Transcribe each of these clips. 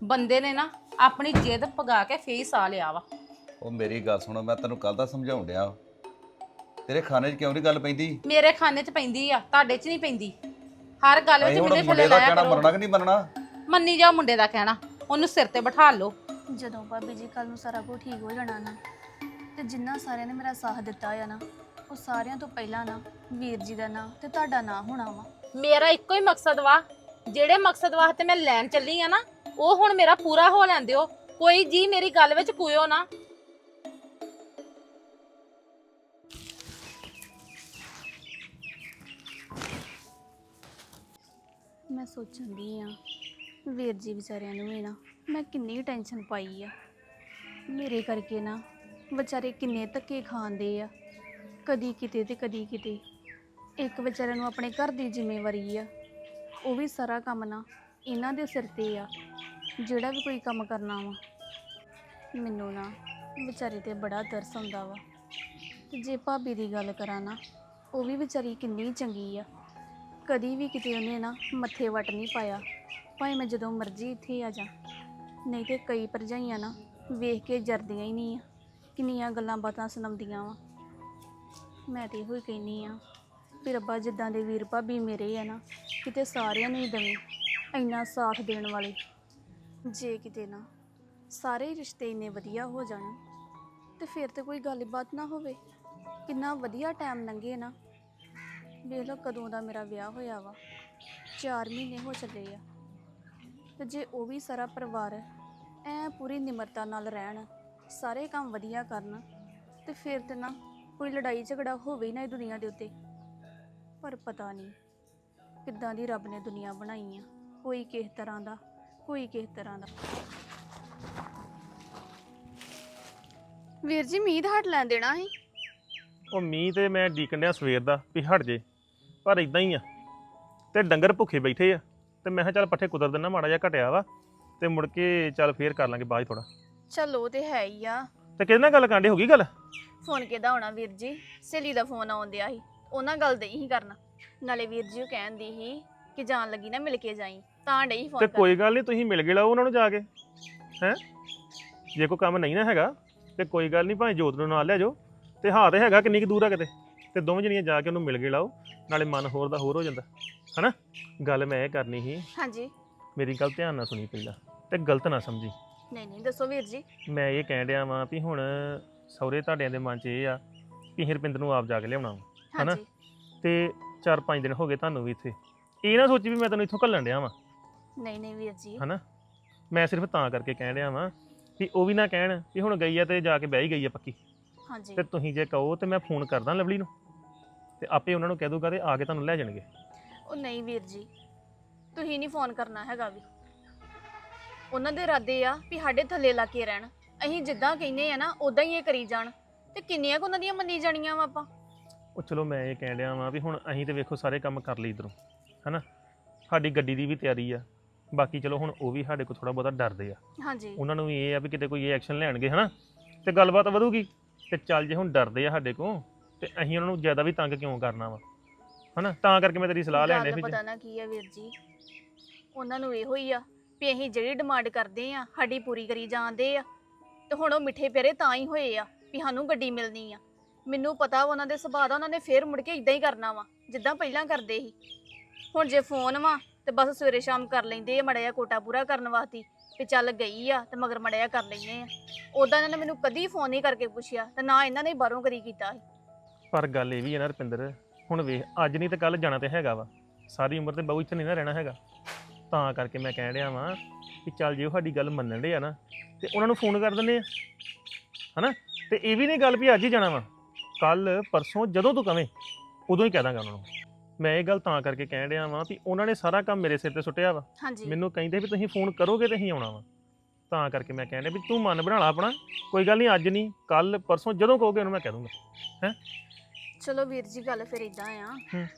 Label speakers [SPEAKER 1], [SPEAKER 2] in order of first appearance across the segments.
[SPEAKER 1] ਬੰਦੇ ਨੇ ਨਾ ਆਪਣੀ ਜਿੱਦ ਪਗਾ ਕੇ ਫੇਸ ਆ ਲਿਆ ਵਾ।
[SPEAKER 2] ਉਹ ਮੇਰੀ ਗੱਲ ਸੁਣੋ, ਮੈਂ ਤੈਨੂੰ ਕੱਲ ਦਾ ਸਮਝਾਉਣ ਡਿਆ। ਤੇਰੇ ਖਾਣੇ 'ਚ ਕਿਉਂ ਨਹੀਂ ਗੱਲ ਪੈਂਦੀ?
[SPEAKER 1] ਮੇਰੇ ਖਾਨੇ 'ਚ ਪੈਂਦੀ ਆ, ਤੁਹਾਡੇ 'ਚ ਨਹੀਂ ਪੈਂਦੀ। ਹਰ ਗੱਲ ਵਿੱਚ
[SPEAKER 2] ਅਸੀਂ ਹੁਣ
[SPEAKER 1] ਮੇਰੇ
[SPEAKER 2] ਮੁੰਡੇ
[SPEAKER 1] ਥੱਲੇ
[SPEAKER 2] ਦਾ
[SPEAKER 1] ਲਾਇਆ
[SPEAKER 2] ਕਹਿਣਾ
[SPEAKER 1] ਕਰੋ।
[SPEAKER 2] ਮੰਨਣਾ ਕਿ ਨਹੀਂ ਮੰਨਣਾ?
[SPEAKER 1] ਮੰਨੀ ਜਾਓ ਮੁੰਡੇ ਦਾ ਕਹਿਣਾ, ਉਹਨੂੰ ਸਿਰ ਤੇ ਬਿਠਾ ਲਓ।
[SPEAKER 3] ਜਦੋਂ ਭਾਬੀ ਜੀ ਕੱਲ ਨੂੰ ਸਾਰਾ ਕੁਝ ਠੀਕ ਹੋ ਜਾਣਾ ਨਾ, ਤੇ ਜਿੰਨਾ ਸਾਰਿਆਂ ਨੇ ਮੇਰਾ ਸਾਥ ਦਿੱਤਾ ਆ ਨਾ, ਉਹ ਸਾਰਿਆਂ ਤੋਂ ਪਹਿਲਾਂ ਨਾ ਵੀਰ ਜੀ ਦਾ ਨਾਂ ਤੇ ਤੁਹਾਡਾ ਨਾਂ ਹੋਣਾ ਵਾ।
[SPEAKER 1] ਮੇਰਾ ਇੱਕੋ ਹੀ ਮਕਸਦ ਵਾ, ਜਿਹੜੇ ਮਕਸਦ ਵਾਸਤੇ ਮੈਂ ਲੈਣ ਚੱਲੀ ਆ ਨਾ, ਉਹ ਹੁਣ ਮੇਰਾ ਪੂਰਾ ਹੋ ਲੈਣ ਦਿਓ। ਕੋਈ ਜੀ ਮੇਰੀ ਗੱਲ ਵਿੱਚ ਕੋਇਓ ਨਾ।
[SPEAKER 3] ਮੈਂ ਸੋਚਣ ਦੀ ਆ ਵੀਰ ਜੀ ਵਿਚਾਰਿਆਂ ਨੂੰ ਵੀ ਨਾ ਮੈਂ ਕਿੰਨੀ ਟੈਨਸ਼ਨ ਪਾਈ ਆ। ਮੇਰੇ ਕਰਕੇ ਨਾ ਵਿਚਾਰੇ ਕਿੰਨੇ ਧੱਕੇ ਖਾਂਦੇ ਆ, ਕਦੀ ਕਿਤੇ ਤੇ ਕਦੀ ਕਿਤੇ। ਇੱਕ ਵਿਚਾਰਿਆਂ ਨੂੰ ਆਪਣੇ ਘਰ ਦੀ ਜ਼ਿੰਮੇਵਾਰੀ ਆ, ਉਹ ਵੀ ਸਾਰਾ ਕੰਮ ਨਾ ਇਹਨਾਂ ਦੇ ਸਿਰ ਤੇ ਆ। ਜਿਹੜਾ ਵੀ ਕੋਈ ਕੰਮ ਕਰਨਾ ਵਾ, ਮੈਨੂੰ ਨਾ ਵਿਚਾਰੇ ਤੇ ਬੜਾ ਤਰਸ ਆਉਂਦਾ ਵਾ। ਤੇ ਜੇ ਭਾਬੀ ਦੀ ਗੱਲ ਕਰਾਂ ਨਾ, ਉਹ ਵੀ ਵਿਚਾਰੀ ਕਿੰਨੀ ਚੰਗੀ ਆ। ਕਦੀ ਵੀ ਕਿਤੇ ਉਹਨੇ ਨਾ ਮੱਥੇ ਵੱਟ ਨਹੀਂ ਪਾਇਆ, ਭਾਵੇਂ ਮੈਂ ਜਦੋਂ ਮਰਜ਼ੀ ਇੱਥੇ ਆ ਜਾ। ਨਹੀਂ ਤੇ ਕਈ ਭਰਜਾਈਆਂ ਨਾ ਵੇਖ ਕੇ ਜਰਦੀਆਂ ਹੀ ਨਹੀਂ ਆ, ਕਿੰਨੀਆਂ ਗੱਲਾਂ ਬਾਤਾਂ ਸੁਣਾਉਂਦੀਆਂ ਵਾ। ਮੈਂ ਤੇ ਇਹੋ ਹੀ ਕਹਿੰਦੀ ਆ ਵੀ ਰੱਬਾ ਜਿੱਦਾਂ ਦੇ ਵੀਰ ਭਾਬੀ ਮੇਰੇ ਆ ਨਾ, ਕਿਤੇ ਸਾਰਿਆਂ ਨੂੰ ਹੀ ਦੇਵੇਂ ਇੰਨਾ ਸਾਥ ਦੇਣ ਵਾਲੇ। ਜੇ ਕਿਤੇ ਨਾ ਸਾਰੇ ਹੀ ਰਿਸ਼ਤੇ ਇੰਨੇ ਵਧੀਆ ਹੋ ਜਾਣ ਤੇ ਫਿਰ ਤੇ ਕੋਈ ਗੱਲਬਾਤ ਨਾ ਹੋਵੇ। ਕਿੰਨਾ ਵਧੀਆ ਟਾਈਮ ਲੰਘੇ ਨਾ। ਵੇਖ ਲਓ ਕਦੋਂ ਦਾ ਮੇਰਾ ਵਿਆਹ ਹੋਇਆ ਵਾ, 4 ਮਹੀਨੇ ਹੋ ਚੱਲੇ ਆ। ਤੇ ਜੇ ਉਹ ਵੀ ਸਾਰਾ ਪਰਿਵਾਰ ਐ ਪੂਰੀ ਨਿਮਰਤਾ ਨਾਲ ਰਹਿਣ, ਸਾਰੇ ਕੰਮ ਵਧੀਆ ਕਰਨ, ਤੇ ਫਿਰ ਤੇ ਨਾ ਕੋਈ ਲੜਾਈ ਝਗੜਾ ਹੋਵੇ ਹੀ ਨਾ ਇਹ ਦੁਨੀਆ ਦੇ ਉੱਤੇ। ਪਰ ਪਤਾ ਨਹੀਂ ਕਿੱਦਾਂ ਦੀ ਰੱਬ ਨੇ ਦੁਨੀਆ ਬਣਾਈ ਆ, ਕੋਈ ਕਿਸ ਤਰ੍ਹਾਂ ਦਾ, ਕੋਈ ਕਿਸ ਤਰ੍ਹਾਂ ਦਾ। ਵੀਰ ਜੀ ਮੀਂਹ ਦਾ ਹਟ ਲੈਣ ਦੇਣਾ ਸੀ।
[SPEAKER 4] ਉਹ ਮੀਂਹ ਤੇ ਮੈਂ ਡੀਕਣ ਡਿਆ ਸਵੇਰ ਦਾ ਵੀ ਹਟ ਜੇ, ਪਰ ਇਦਾਂ ਹੀ ਆ। ਤੇ ਡੰਗਰ ਭੁੱਖੇ ਬੈਠੇ ਆ, ਤੇ ਮੈਂ ਕਿਹਾ ਚੱਲ ਪੱਠੇ ਕੁਤਰ ਦਿੰਦਾ, ਮਾੜਾ ਜਿਹਾ ਘਟਿਆ ਵਾ, ਤੇ ਮੁੜ ਕੇ ਚੱਲ ਫੇਰ ਕਰ ਲਾਂਗੇ ਬਾਅਦ ਥੋੜਾ।
[SPEAKER 3] ਚਲੋ ਤੇ ਹੈ ਹੀ ਆ।
[SPEAKER 4] ਤੇ ਕਿਹਦੇ ਨਾਲ ਗੱਲ ਕਾਂਡੇ ਹੋ ਗਈ ਗੱਲ?
[SPEAKER 3] ਫੋਨ ਕਿਹਦਾ ਹੋਣਾ ਵੀਰ ਜੀ, ਸਹੇਲੀ ਦਾ ਫੋਨ ਆਉਂਦਿਆ ਸੀ, ਉਹਨਾਂ ਗੱਲ ਦੇ ਹੀ ਕਰਨਾ। ਨਾਲੇ ਵੀਰ ਜੀ ਉਹ ਕਹਿੰਦੀ ਸੀ ਕਿ ਜਾਣ ਲੱਗੀ ਨਾ ਮਿਲ ਕੇ ਜਾਈ, ਤਾਂ ਡਈ ਫੋਨ
[SPEAKER 4] ਤੇ
[SPEAKER 3] ਕਰ।
[SPEAKER 4] ਕੋਈ ਗੱਲ ਨਹੀਂ, ਤੁਸੀਂ ਮਿਲ ਗਏ ਲਾਓ ਉਹਨਾਂ ਨੂੰ ਜਾ ਕੇ। ਹੈ ਜੇ ਕੋਈ ਕੰਮ ਨਹੀਂ ਨਾ ਹੈਗਾ ਤੇ ਕੋਈ ਗੱਲ ਨਹੀਂ, ਭਾਵੇਂ ਜੋਤ ਨੂੰ ਨਾਲ ਲੈ ਜਾਓ। ਤੇ ਹਾਂ ਤੇ ਹੈਗਾ ਕਿੰਨੀ ਕੁ ਦੂਰ ਆ ਕਿਤੇ, ਤੇ ਦੋਵੇਂ ਜਣੀਆਂ ਜਾ ਕੇ ਉਹਨੂੰ ਮਿਲ ਗਏ ਲਾਓ, ਨਾਲੇ ਮਨ ਹੋਰ ਦਾ ਹੋਰ ਹੋ ਜਾਂਦਾ ਹਨਾ। ਗੱਲ ਮੈਂ ਇਹ ਕਰਨੀ ਸੀ,
[SPEAKER 3] ਹਾਂਜੀ
[SPEAKER 4] ਮੇਰੀ ਗੱਲ ਧਿਆਨ ਨਾਲ ਸੁਣੀ ਪਹਿਲਾਂ, ਤੇ ਗਲਤ ਨਾ ਸਮਝੀ।
[SPEAKER 3] ਨਹੀਂ ਨਹੀਂ ਦੱਸੋ ਵੀਰ ਜੀ।
[SPEAKER 4] ਮੈਂ ਇਹ ਕਹਿਣ ਡਿਆ ਵਾਂ ਵੀ ਹੁਣ ਸਹੁਰੇ ਤੁਹਾਡਿਆਂ ਦੇ ਮਨ 'ਚ ਇਹ ਆ ਕਿ ਹਰਪਿੰਦਰ ਨੂੰ ਆਪ ਜਾ ਕੇ ਲਿਆਉਣਾ ਵਾ ਹਨਾ।
[SPEAKER 3] ਹਾਂਜੀ
[SPEAKER 4] ਤੇ 4-5 ਦਿਨ ਹੋ ਗਏ ਤੁਹਾਨੂੰ ਵੀ ਇੱਥੇ, ਇਹ ਨਾ ਸੋਚੀ ਵੀ ਮੈਂ ਤੈਨੂੰ ਇੱਥੋਂ ਘੱਲਣ ਡਿਆ ਵਾਂ
[SPEAKER 3] ਨਹੀਂ ਨਹੀਂ ਵੀਰ ਜੀ।
[SPEAKER 4] ਹਨਾ। ਮੈਂ ਸਿਰਫ ਤਾਂ ਕਰਕੇ ਕਹਿਣ ਡਿਆ ਵਾਂ ਵੀ ਉਹ ਵੀ ਨਾ ਕਹਿਣ ਵੀ ਹੁਣ ਗਈ ਆ ਤੇ ਜਾ ਕੇ ਬਹਿ ਹੀ ਗਈ ਆ ਪੱਕੀ।
[SPEAKER 3] ਹਾਂਜੀ
[SPEAKER 4] ਤੇ ਤੁਸੀਂ ਜੇ ਕਹੋ ਤੇ ਮੈਂ ਫੋਨ ਕਰਦਾ ਲਵਲੀ ਨੂੰ, ਤੇ ਆਪੇ ਉਹਨਾਂ ਨੂੰ ਕਹਿ ਦੂਗਾ ਤੇ ਆ ਕੇ ਤੁਹਾਨੂੰ ਲੈ ਜਾਣਗੇ।
[SPEAKER 3] ਉਹ ਨਹੀਂ ਵੀਰ ਜੀ, ਤੁਸੀਂ ਨਹੀਂ ਫੋਨ ਕਰਨਾ ਹੈਗਾ ਵੀ। ਉਹਨਾਂ ਦੇ ਇਰਾਦੇ ਆ ਵੀ ਸਾਡੇ ਥੱਲੇ ਲਾ ਕੇ ਰਹਿਣ, ਅਸੀਂ ਜਿੱਦਾਂ ਕਹਿੰਦੇ ਆ ਨਾ ਉਦਾਂ ਹੀ ਇਹ ਕਰੀ ਜਾਣ। ਤੇ ਕਿੰਨੀਆਂ ਕੁ ਉਹਨਾਂ ਦੀਆਂ ਮੰਨੀ ਜਾਣੀਆਂ ਵਾ ਆਪਾਂ।
[SPEAKER 4] ਉਹ ਚਲੋ ਮੈਂ ਇਹ ਕਹਿਣ ਡਿਆ ਵਾਂ ਵੀ ਹੁਣ ਅਸੀਂ ਤੇ ਵੇਖੋ ਸਾਰੇ ਕੰਮ ਕਰ ਲਈ ਇੱਧਰੋਂ ਹਨਾ। ਸਾਡੀ ਗੱਡੀ ਦੀ ਵੀ ਤਿਆਰੀ ਆ, ਬਾਕੀ ਚਲੋ ਹੁਣ ਉਹ ਵੀ ਸਾਡੇ ਕੋਲ ਥੋੜਾ ਬਹੁਤਾ ਡਰਦੇ ਆ।
[SPEAKER 3] ਹਾਂਜੀ
[SPEAKER 4] ਉਹਨਾਂ ਨੂੰ ਵੀ ਇਹ ਆ ਵੀ ਕਿਤੇ ਕੋਈ ਇਹ ਐਕਸ਼ਨ ਲੈਣਗੇ ਹਨਾ, ਤੇ ਗੱਲਬਾਤ ਵਧੂਗੀ। ਤੇ ਚੱਲ ਜੇ ਹੁਣ ਡਰਦੇ ਆ ਸਾਡੇ ਕੋਲ, ਤੇ ਅਸੀਂ ਉਹਨਾਂ ਨੂੰ ਜ਼ਿਆਦਾ ਵੀ ਤੰਗ ਕਿਉਂ ਕਰਨਾ ਵਾ ਹਨਾ। ਤਾਂ ਕਰਕੇ ਮੈਂ ਤੇਰੀ ਸਲਾਹ ਲੈਣ
[SPEAKER 3] ਗੱਲ
[SPEAKER 4] ਡਿਆ
[SPEAKER 3] ਪਤਾ ਨਾ ਕੀ ਆ ਵੀਰ ਜੀ, ਉਹਨਾਂ ਨੂੰ ਇਹੋ ਹੀ ਆ ਵੀ ਅਸੀਂ ਜਿਹੜੀ ਡਿਮਾਂਡ ਕਰਦੇ ਆ ਸਾਡੀ ਪੂਰੀ ਕਰੀ ਜਾਂਦੇ ਆ। ਤੇ ਹੁਣ ਉਹ ਮਿੱਠੇ ਪਿਆਰੇ ਤਾਂ ਹੀ ਹੋਏ ਆ ਵੀ ਸਾਨੂੰ ਗੱਡੀ ਮਿਲਣੀ ਆ। ਮੈਨੂੰ ਪਤਾ ਵਾ ਉਹਨਾਂ ਦੇ ਸੁਭਾਅ ਦਾ, ਉਹਨਾਂ ਨੇ ਫੇਰ ਮੁੜ ਕੇ ਇਦਾਂ ਹੀ ਕਰਨਾ ਵਾ ਜਿੱਦਾਂ ਪਹਿਲਾਂ ਕਰਦੇ ਸੀ। ਹੁਣ ਜੇ ਫੋਨ ਵਾ ਤੇ ਬਸ ਸਵੇਰੇ ਸ਼ਾਮ ਕਰ ਲੈਂਦੇ ਆ ਮਾੜਾ ਜਿਹਾ ਕੋਟਾ ਪੂਰਾ ਕਰਨ ਵਾਸਤੇ ਵੀ ਚੱਲ ਗਈ ਆ ਤੇ ਮਗਰ ਮਾੜਾ ਜਿਹਾ ਕਰ ਲੈਂਦੇ ਆ। ਉਦਾਂ ਇਹਨਾਂ ਨੇ ਮੈਨੂੰ ਕਦੀ ਫੋਨ ਨਹੀਂ ਕਰਕੇ ਪੁੱਛਿਆ, ਤੇ ਨਾ ਇਹਨਾਂ ਨੇ ਬਾਹਰੋਂ ਕਰੀ ਕੀਤਾ ਸੀ।
[SPEAKER 4] ਪਰ ਗੱਲ ਇਹ ਵੀ ਹੈ ਨਾ ਰੁਪਿੰਦਰ, ਹੁਣ ਵੇਖ ਅੱਜ ਨਹੀਂ ਤੇ ਕੱਲ ਜਾਣਾ ਤੇ ਹੈਗਾ ਵਾ, ਸਾਰੀ ਉਮਰ ਤੇ ਬਹੁ ਇੱਥੇ ਨਹੀਂ ਨਾ ਰਹਿਣਾ ਹੈਗਾ। ਤਾਂ ਕਰਕੇ ਮੈਂ ਕਹਿਣ ਡਿਆ ਵਾਂ ਕਿ ਚੱਲ ਜੇ ਉਹ ਸਾਡੀ ਗੱਲ ਮੰਨਣ ਡੇ ਆ ਨਾ, ਤੇ ਉਹਨਾਂ ਨੂੰ ਫੋਨ ਕਰ ਦਿੰਦੇ ਆ ਹਨਾ। ਤੇ ਇਹ ਵੀ ਨਹੀਂ ਗੱਲ ਵੀ ਅੱਜ ਹੀ ਜਾਣਾ ਵਾ, ਕੱਲ ਪਰਸੋਂ ਜਦੋਂ ਤੂੰ ਕਵੇਂ ਉਦੋਂ ਹੀ ਕਹਿ ਦਾਂਗਾ ਉਹਨਾਂ ਨੂੰ। ਮੈਂ ਇਹ ਗੱਲ ਤਾਂ ਕਰਕੇ ਕਹਿਣ ਡਿਆ ਵਾਂ ਵੀ ਉਹਨਾਂ ਨੇ ਸਾਰਾ ਕੰਮ ਮੇਰੇ ਸਿਰ ਤੇ ਸੁੱਟਿਆ ਵਾ।
[SPEAKER 3] ਹਾਂਜੀ
[SPEAKER 4] ਮੈਨੂੰ ਕਹਿੰਦੇ ਵੀ ਤੁਸੀਂ ਫੋਨ ਕਰੋਗੇ ਤੇ ਅਸੀਂ ਆਉਣਾ ਵਾ। ਤਾਂ ਕਰਕੇ ਮੈਂ ਕਹਿਣ ਡਿਆ ਵੀ ਤੂੰ ਮਨ ਬਣਾ ਲਾ ਆਪਣਾ, ਕੋਈ ਗੱਲ ਨਹੀਂ ਅੱਜ ਨਹੀਂ ਕੱਲ ਪਰਸੋਂ ਜਦੋਂ ਕਹੋਗੇ ਉਹਨੂੰ ਮੈਂ ਕਹਿ ਦੂੰਗਾ। ਹੈ
[SPEAKER 3] ਚਲੋ ਵੀਰ ਜੀ ਗੱਲ ਫਿਰ ਇਦਾਂ ਆ,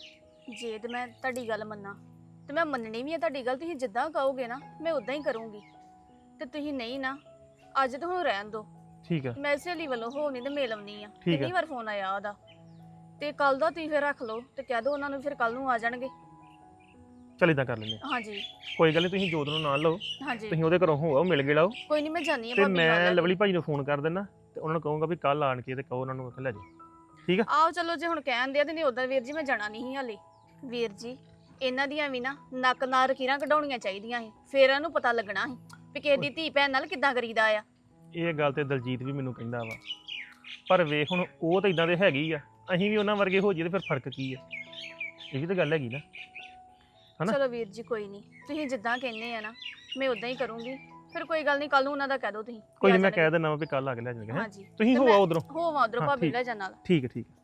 [SPEAKER 3] ਜੇ ਤੇ ਮੈਂ ਤੁਹਾਡੀ ਗੱਲ ਮੰਨਾਂ ਤੇ ਮੈਂ ਮੰਨਣੀ ਵੀ ਆ ਤੁਹਾਡੀ ਗੱਲ। ਤੁਸੀਂ ਜਿੱਦਾਂ ਕਹੋਗੇ ਨਾ ਮੈਂ ਉਦਾਂ ਹੀ ਕਰੂੰਗੀ। ਤੇ ਤੁਸੀਂ ਨਹੀਂ ਨਾ, ਅੱਜ ਤਾਂ ਹੁਣ ਰਹਿਣ ਦਿਓ।
[SPEAKER 4] ਠੀਕ ਆ
[SPEAKER 3] ਮੈਂ ਸਹੇਲੀ ਵੱਲੋਂ ਹੋ ਨਹੀਂ ਤੇ ਮਿਲ ਆਉਣੀ ਆ।
[SPEAKER 4] ਠੀਕ ਆ।
[SPEAKER 3] ਕਿੰਨੀ ਵਾਰ ਫੋਨ ਆਇਆ ਉਹਦਾ। ਤੇ ਕੱਲ ਦਾ ਤੁਸੀਂ ਫਿਰ ਰੱਖ ਲਓ ਤੇ ਕਹਿ ਦਿਓ ਉਹਨਾਂ ਨੂੰ ਫਿਰ ਕੱਲ ਨੂੰ ਆ ਜਾਣਗੇ।
[SPEAKER 4] ਚੱਲ ਇਦਾਂ ਕਰ ਲੈਂਦੇ ਹਾਂ।
[SPEAKER 3] ਹਾਂਜੀ
[SPEAKER 4] ਕੋਈ ਗੱਲ ਨਹੀਂ, ਤੁਸੀਂ ਜੋਤ ਨੂੰ ਨਾਲ ਲਓ,
[SPEAKER 3] ਹਾਂਜੀ
[SPEAKER 4] ਤੁਸੀਂ ਉਹਦੇ ਘਰੋਂ ਹੋ ਆਓ, ਮਿਲ ਗਏ ਲਾਓ,
[SPEAKER 3] ਕੋਈ ਨਹੀਂ, ਮੈਂ ਜਾਣੀ ਆ
[SPEAKER 4] ਤੇ
[SPEAKER 3] ਭਾਬੀ
[SPEAKER 4] ਮੈਂ
[SPEAKER 3] ਨਾਲ
[SPEAKER 4] ਲਵਲੀ ਭਾਈ ਨੂੰ ਫੋਨ ਕਰ ਦਿੰਦਾ ਤੇ ਉਹਨਾਂ ਨੂੰ ਕਹੂੰਗਾ ਵੀ ਕੱਲ ਆਣ ਕੇ ਤੇ ਕਹੋ ਉਹਨਾਂ ਨੂੰ ਉੱਥੇ ਲੈ ਜਾਓ। ਠੀਕ ਆ?
[SPEAKER 3] ਆਓ ਚਲੋ, ਜੇ ਹੁਣ ਕਹਿਣ ਦਿਆ ਤੇ ਨਹੀਂ ਉਦਾਂ ਵੀਰ ਜੀ ਮੈਂ ਜਾਣਾ ਨਹੀਂ ਸੀ ਹਾਲੇ। ਵੀਰ ਜੀ ਇਹਨਾਂ ਦੀਆਂ ਵੀ ਨਾ ਨੱਕ ਨਾਲ ਰਕੀਰਾਂ ਕਢਾਉਣੀਆਂ ਚਾਹੀਦੀਆਂ ਸੀ, ਫੇਰ ਇਹਨੂੰ ਪਤਾ ਲੱਗਣਾ ਸੀ ਵੀ ਕਿਸੇ ਦੀ ਧੀ ਭੈਣ ਨਾਲ ਕਿੱਦਾਂ ਕਰੀਦਾ ਆ।
[SPEAKER 4] ਇਹ ਗੱਲ ਤੇ ਦਲਜੀਤ ਵੀ ਮੈਨੂੰ ਕਹਿੰਦਾ ਵਾ, ਪਰ ਵੇਖ ਹੁਣ ਉਹ ਤਾਂ ਇਦਾਂ ਦੇ ਹੈਗੀ ਆ, ਅਸੀਂ ਵੀ ਉਹਨਾਂ ਵਰਗੇ ਹੋ ਜਾਈਏ ਤੇ ਫਿਰ ਫਰਕ ਕੀ ਆ? ਇਹ ਵੀ ਤਾਂ ਗੱਲ ਹੈਗੀ ਨਾ, ਹਨਾ?
[SPEAKER 3] ਚਲੋ ਵੀਰ ਜੀ ਕੋਈ ਨਹੀਂ, ਤੁਸੀਂ ਜਿੱਦਾਂ ਕਹਿੰਦੇ ਆ ਨਾ ਮੈਂ ਉਦਾਂ ਹੀ ਕਰੂੰਗੀ। ਫਿਰ ਕੋਈ ਗੱਲ ਨਹੀਂ, ਕੱਲ ਨੂੰ ਉਹਨਾਂ ਦਾ ਕਹਿ ਦਿਓ ਤੁਸੀਂ।
[SPEAKER 4] ਕੋਈ ਨਹੀਂ, ਮੈਂ ਕਹਿ ਦਿੰਦਾ ਵਾ ਵੀ ਕੱਲ ਆ ਕੇ ਲੈ ਜਾਣਗੇ। ਹੈਂ?
[SPEAKER 3] ਹਾਂਜੀ
[SPEAKER 4] ਤੁਸੀਂ ਹੋ ਆਓ ਉਧਰੋਂ।
[SPEAKER 3] ਹੋਵਾਂ ਉਧਰੋਂ
[SPEAKER 4] ਹਾਂ,
[SPEAKER 3] ਭਾਬੀ
[SPEAKER 4] ਠੀਕ।
[SPEAKER 3] ਲੈ ਜਾਣ ਨਾਲ।
[SPEAKER 4] ਠੀਕ ਹੈ, ਠੀਕ ਹੈ।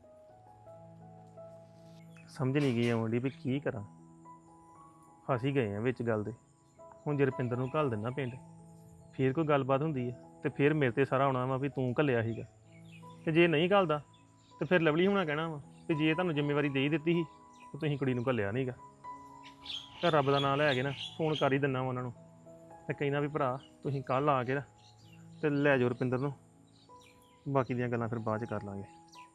[SPEAKER 4] ਸਮਝ ਨਹੀਂ ਗਈ ਆਉਂਦੀ ਵੀ ਕੀ ਕਰਾਂ, ਫਸ ਹੀ ਗਏ ਆ ਵਿੱਚ ਗੱਲ ਦੇ। ਹੁਣ ਜੇ ਰੁਪਿੰਦਰ ਨੂੰ ਘੱਲ ਦਿੰਦਾ ਪਿੰਡ, ਫੇਰ ਕੋਈ ਗੱਲਬਾਤ ਹੁੰਦੀ ਹੈ ਤੇ ਫਿਰ ਮੇਰੇ ਤੇ ਸਾਰਾ ਆਉਣਾ ਵਾ ਵੀ ਤੂੰ ਘੱਲਿਆ ਸੀਗਾ, ਤੇ ਜੇ ਨਹੀਂ ਘੱਲਦਾ ਤੇ ਫਿਰ ਲਵਲੀ ਹੋਣਾ ਕਹਿਣਾ ਵਾ ਵੀ ਜੇ ਤੁਹਾਨੂੰ ਜ਼ਿੰਮੇਵਾਰੀ ਦੇ ਹੀ ਦਿੱਤੀ ਸੀ ਤੇ ਤੁਸੀਂ ਕੁੜੀ ਨੂੰ ਘੱਲਿਆ ਨਹੀਂਗਾ। ਤਾਂ ਰੱਬ ਦਾ ਨਾਮ ਲੈ ਕੇ ਨਾ ਫੋਨ ਕਰ ਹੀ ਦਿੰਦਾ ਵਾ ਉਹਨਾਂ ਨੂੰ ਤੇ ਕਹਿਣਾ ਵੀ ਭਰਾ ਤੁਸੀਂ ਕੱਲ ਆ ਕੇ ਨਾ ਤੇ ਲੈ ਜਾਓ ਰੁਪਿੰਦਰ ਨੂੰ, ਬਾਕੀ ਦੀਆਂ ਗੱਲਾਂ ਫਿਰ ਬਾਅਦ ਚ ਕਰ ਲਾਂਗੇ।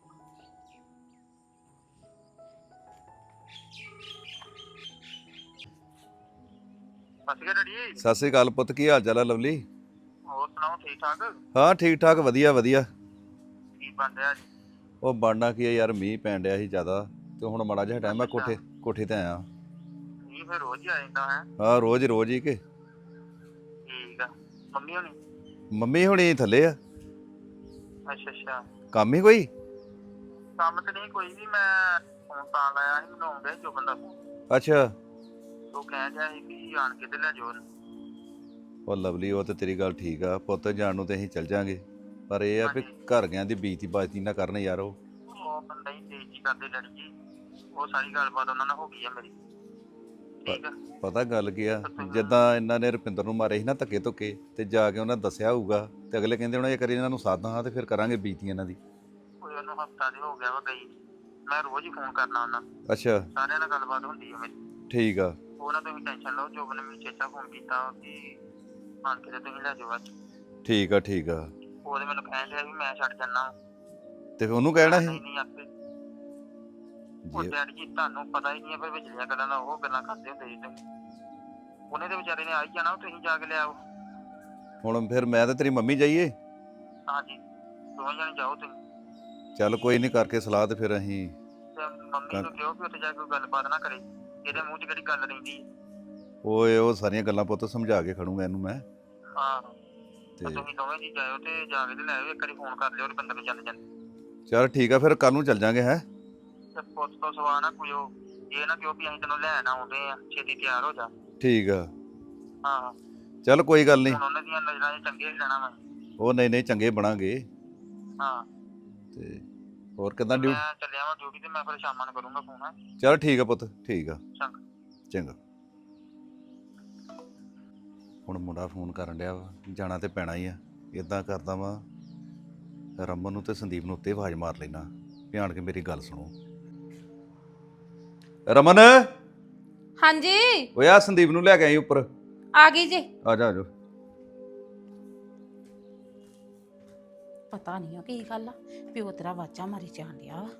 [SPEAKER 2] ਸਤਿ ਸ੍ਰੀ ਅਕਾਲ ਪੁੱਤ, ਕੀ ਹਾਲ ਚਾਲ ਆ ਲਵਲੀ?
[SPEAKER 5] ਹੋਰ ਸੁਣਾਓ, ਠੀਕ ਠਾਕ?
[SPEAKER 2] ਹਾਂ ਠੀਕ ਠਾਕ, ਵਧੀਆ ਵਧੀਆ।
[SPEAKER 5] ਕੀ ਬਣ ਰਿਹਾ ਜੀ?
[SPEAKER 2] ਉਹ ਬਣਨਾ ਕੀ ਆ ਯਾਰ, ਮੀਂਹ ਪੈਣ ਡਿਆ ਸੀ ਜ਼ਿਆਦਾ ਤੇ ਹੁਣ ਮਾੜਾ ਜਿਹਾ ਟਾਈਮ ਮੈਂ ਕੋਠੇ ਤੇ ਆਇਆ।
[SPEAKER 5] ਨਹੀਂ ਫਿਰ ਰੋਜ਼ ਹੀ ਆ ਜਾਂਦਾ ਹੈ।
[SPEAKER 2] ਹਾਂ ਰੋਜ਼ ਹੀ ਕਿ
[SPEAKER 5] ਠੀਕ ਆ। ਮੰਮੀ ਹੋਣੀ?
[SPEAKER 2] ਮੰਮੀ ਹੁਣੀ ਥੱਲੇ ਆ।
[SPEAKER 5] ਅੱਛਾ ਅੱਛਾ।
[SPEAKER 2] ਕੰਮ ਹੀ ਕੋਈ?
[SPEAKER 5] ਕੰਮ ਤੇ ਨਹੀਂ ਕੋਈ ਵੀ, ਮੈਂ ਫੋਨ ਤਾਂ ਲਾਇਆ ਸੀ, ਮੈਨੂੰ ਆਉਂਦਾ ਜੋ ਬੰਦਾ
[SPEAKER 2] ਅੱਛਾ।
[SPEAKER 5] ਉਹ ਕਹਿ ਰਿਹਾ ਸੀ ਵੀ ਆਣ ਕੇ ਤੇ ਲੈ ਜਾਓ।
[SPEAKER 2] ਉਹ ਲਵਲੀ ਉਹ ਤੇ ਤੇਰੀ ਗੱਲ ਠੀਕ ਆ ਪੁੱਤ, ਜਾਣ ਨੂੰ ਤੇ ਅਸੀਂ ਚੱਲ ਜਾਾਂਗੇ, ਪਰ ਇਹ ਆ ਵੀ ਘਰ ਗਿਆਂ ਦੀ ਬੀਤੀ ਬਾਤੀ ਨਾ ਕਰਨ ਯਾਰ। ਉਹ
[SPEAKER 5] ਬੰਦਾ ਹੀ ਬੇਇੱਜ਼ਤੀ ਕਰਦੇ ਡੈਡੀ ਜੀ, ਉਹ ਸਾਰੀ ਗੱਲਬਾਤ ਉਹਨਾਂ ਨਾਲ ਹੋ ਗਈ ਆ ਮੇਰੀ। ਠੀਕ ਆ।
[SPEAKER 2] ਪਤਾ ਗੱਲ ਕੀ ਆ, ਜਿੱਦਾਂ ਇਹਨਾਂ ਨੇ ਰੁਪਿੰਦਰ ਨੂੰ ਮਾਰੇ ਸੀ ਨਾ ਧੱਕੇ ਧੁੱਕੇ, ਤੇ ਜਾ ਕੇ ਉਹਨਾਂ ਦੱਸਿਆ ਹੋਊਗਾ ਤੇ ਅਗਲੇ ਕਹਿੰਦੇ ਹੁਣ ਇਹ ਕਰੀ ਇਹਨਾਂ ਨੂੰ ਸਾਧਾਂ ਹਾਂ ਤੇ ਫਿਰ ਕਰਾਂਗੇ ਬੀਤੀ ਇਹਨਾਂ ਦੀ।
[SPEAKER 5] ਕੋਈ ਉਹਨੂੰ ਹਫਤਾ ਦੇ ਹੋ ਗਿਆ ਵਾ ਗਈ, ਮੈਂ ਰੋਜ਼ ਹੀ ਫੋਨ ਕਰਨਾ ਉਹਨਾਂ ਨੂੰ,
[SPEAKER 2] ਅੱਛਾ
[SPEAKER 5] ਸਾਰਿਆਂ ਨਾਲ ਗੱਲਬਾਤ ਹੁੰਦੀ ਆ ਮੇਰੀ।
[SPEAKER 2] ਠੀਕ ਆ।
[SPEAKER 5] ਉਹ ਨਾ ਤੁਸੀਂ ਟੈਨਸ਼ਨ ਲਓ, ਜੋ ਨੇ ਮੈਨੂੰ ਚੇਚਾ ਫੋਨ ਕੀਤਾ ਕਿ ਆਣ ਕੇ ਤੇ ਤੁਸੀਂ ਲੈ ਜਾਓ ਅੱਜ।
[SPEAKER 2] ਠੀਕ ਆ ਠੀਕ ਆ।
[SPEAKER 5] ਉਹਦੇ ਮੈਨੂੰ ਕਹਿਣ ਡਿਆ ਵੀ ਮੈਂ ਛੱਡ ਜਾਣਾ,
[SPEAKER 2] ਤੇ ਫਿਰ ਉਹਨੂੰ ਕਹਿਣਾ ਸੀ
[SPEAKER 5] ਨਹੀਂ ਆਪੇ। ਉਹ ਡੈਡੀ ਜੀ ਤੁਹਾਨੂੰ ਪਤਾ ਹੀ ਨਹੀਂ ਹੈ, ਫਿਰ ਵਿਚਲੀਆਂ ਗੱਲਾਂ ਦਾ ਉਹ ਗੱਲਾਂ ਕਰਦੇ ਹੁੰਦੇ ਜੀ ਤੁਸੀਂ। ਉਹਨੇ ਤੇ ਵਿਚਾਰੇ ਨੇ ਆ ਹੀ ਜਾਣਾ, ਤੁਸੀਂ ਜਾ ਕੇ ਲਿਆਓ।
[SPEAKER 2] ਹੁਣ ਫਿਰ ਮੈਂ ਤੇ ਤੇਰੀ ਮੰਮੀ ਜਾਈਏ?
[SPEAKER 5] ਹਾਂਜੀ ਦੋਵੇਂ ਜਾਣੇ ਜਾਓ ਤੁਸੀਂ।
[SPEAKER 2] ਚੱਲ ਕੋਈ ਨਹੀਂ, ਕਰਕੇ ਸਲਾਹ ਤੇ ਫਿਰ ਅਸੀਂ।
[SPEAKER 5] ਤੇ ਮੰਮੀ ਨੂੰ ਕਿਹਾ ਵੀ ਉੱਥੇ ਜਾ ਕੇ ਕੋਈ ਗੱਲਬਾਤ ਨਾ ਕਰੇ, ਇਹਦੇ ਮੂੰਹ 'ਚ ਕਿਹੜੀ ਗੱਲ ਰਹਿੰਦੀ।
[SPEAKER 2] ਓਏ ਉਹ ਸਾਰੀਆਂ ਗੱਲਾਂ ਪੁੱਤ ਸਮਝਾ ਕੇ ਖੜੂੰਗਾ ਇਹਨੂੰ ਮੈਂ।
[SPEAKER 5] ਹਾਂ
[SPEAKER 2] ਤੇ
[SPEAKER 5] ਤੇ ਤੁਸੀਂ ਦੋਵੇਂ ਜੀ ਜਾਇਓ ਤੇ ਜਾ ਕੇ ਤੇ ਲੈ ਆਇਓ, ਇੱਕ ਵਾਰੀ ਫੋਨ ਕਰ ਲਿਓ ਰੁਪਿੰਦਰ ਨੂੰ ਜਾਂਦੇ ਜਾਂਦੇ।
[SPEAKER 2] ਚੱਲ ਠੀਕ ਆ, ਫਿਰ ਕੱਲ ਨੂੰ ਚੱਲ ਜਾਾਂਗੇ। ਹੈ
[SPEAKER 5] ਤੇ ਪੁੱਤ ਤੋਂ ਸਵਾ ਨਾ ਕੋਈ ਇਹ ਨਾ ਕਿਉਂ ਵੀ ਅਸੀਂ ਤੈਨੂੰ ਲੈਣ ਆਉਂਦੇ ਆ, ਛੇਤੀ ਤਿਆਰ ਹੋ ਜਾ।
[SPEAKER 2] ਠੀਕ ਆ।
[SPEAKER 5] ਹਾਂ
[SPEAKER 2] ਚੱਲ ਕੋਈ ਗੱਲ ਨਹੀਂ,
[SPEAKER 5] ਹੁਣ ਉਹਨਾਂ ਦੀਆਂ ਨਜ਼ਰਾਂ 'ਚ ਚੰਗੇ ਹੀ ਰਹਿਣਾ ਵਾ।
[SPEAKER 2] ਉਹ ਨਹੀਂ ਚੰਗੇ ਬਣਾਂਗੇ।
[SPEAKER 5] ਹਾਂ
[SPEAKER 2] ਤੇ ਹੋਰ ਕਿੱਦਾਂ ਡਿਊਟੀ?
[SPEAKER 5] ਮੈਂ ਚੱਲਿਆ ਵਾਂ ਡਿਊਟੀ ਤੇ, ਮੈਂ ਫਿਰ ਸ਼ਾਮਾਂ ਨੂੰ ਕਰੂੰਗਾ ਫੋਨ।
[SPEAKER 2] ਚੱਲ ਠੀਕ ਆ ਪੁੱਤ, ਠੀਕ ਆ।
[SPEAKER 5] ਚੰਗਾ।
[SPEAKER 2] ਚੰਗਾ। ਹੁਣ ਮੁੰਡਾ ਫੋਨ ਕਰਨ ਡਿਆ ਵਾ, ਜਾਣਾ ਤੇ ਪੈਣਾ ਹੀ ਆ। ਇਦਾਂ ਕਰਦਾ ਵਾ, ਰਮਨ ਨੂੰ ਤੇ ਸੰਦੀਪ ਨੂੰ ਉੱਤੇ ਆਵਾਜ਼ ਮਾਰ ਲੈਣਾ, ਧਿਆਨ ਕੇ ਮੇਰੀ ਗੱਲ ਸੁਣੋ। ਰਮਨ
[SPEAKER 1] ਹਾਂਜੀ
[SPEAKER 2] ਓਏ ਆ ਸੰਦੀਪ ਨੂੰ ਲੈ ਕੇ ਆਈ ਉੱਪਰ।
[SPEAKER 1] ਆ ਗਈ ਜੀ।
[SPEAKER 2] ਆ ਜਾ
[SPEAKER 1] ਪਤਾ ਨਹੀਂ ਕੀ ਗੱਲ ਆ, ਪਿਓ ਤੇਰਾ ਵਾਚਾ ਮਾਰੀ ਜਾਣ ਡਿਆ ਵਾ।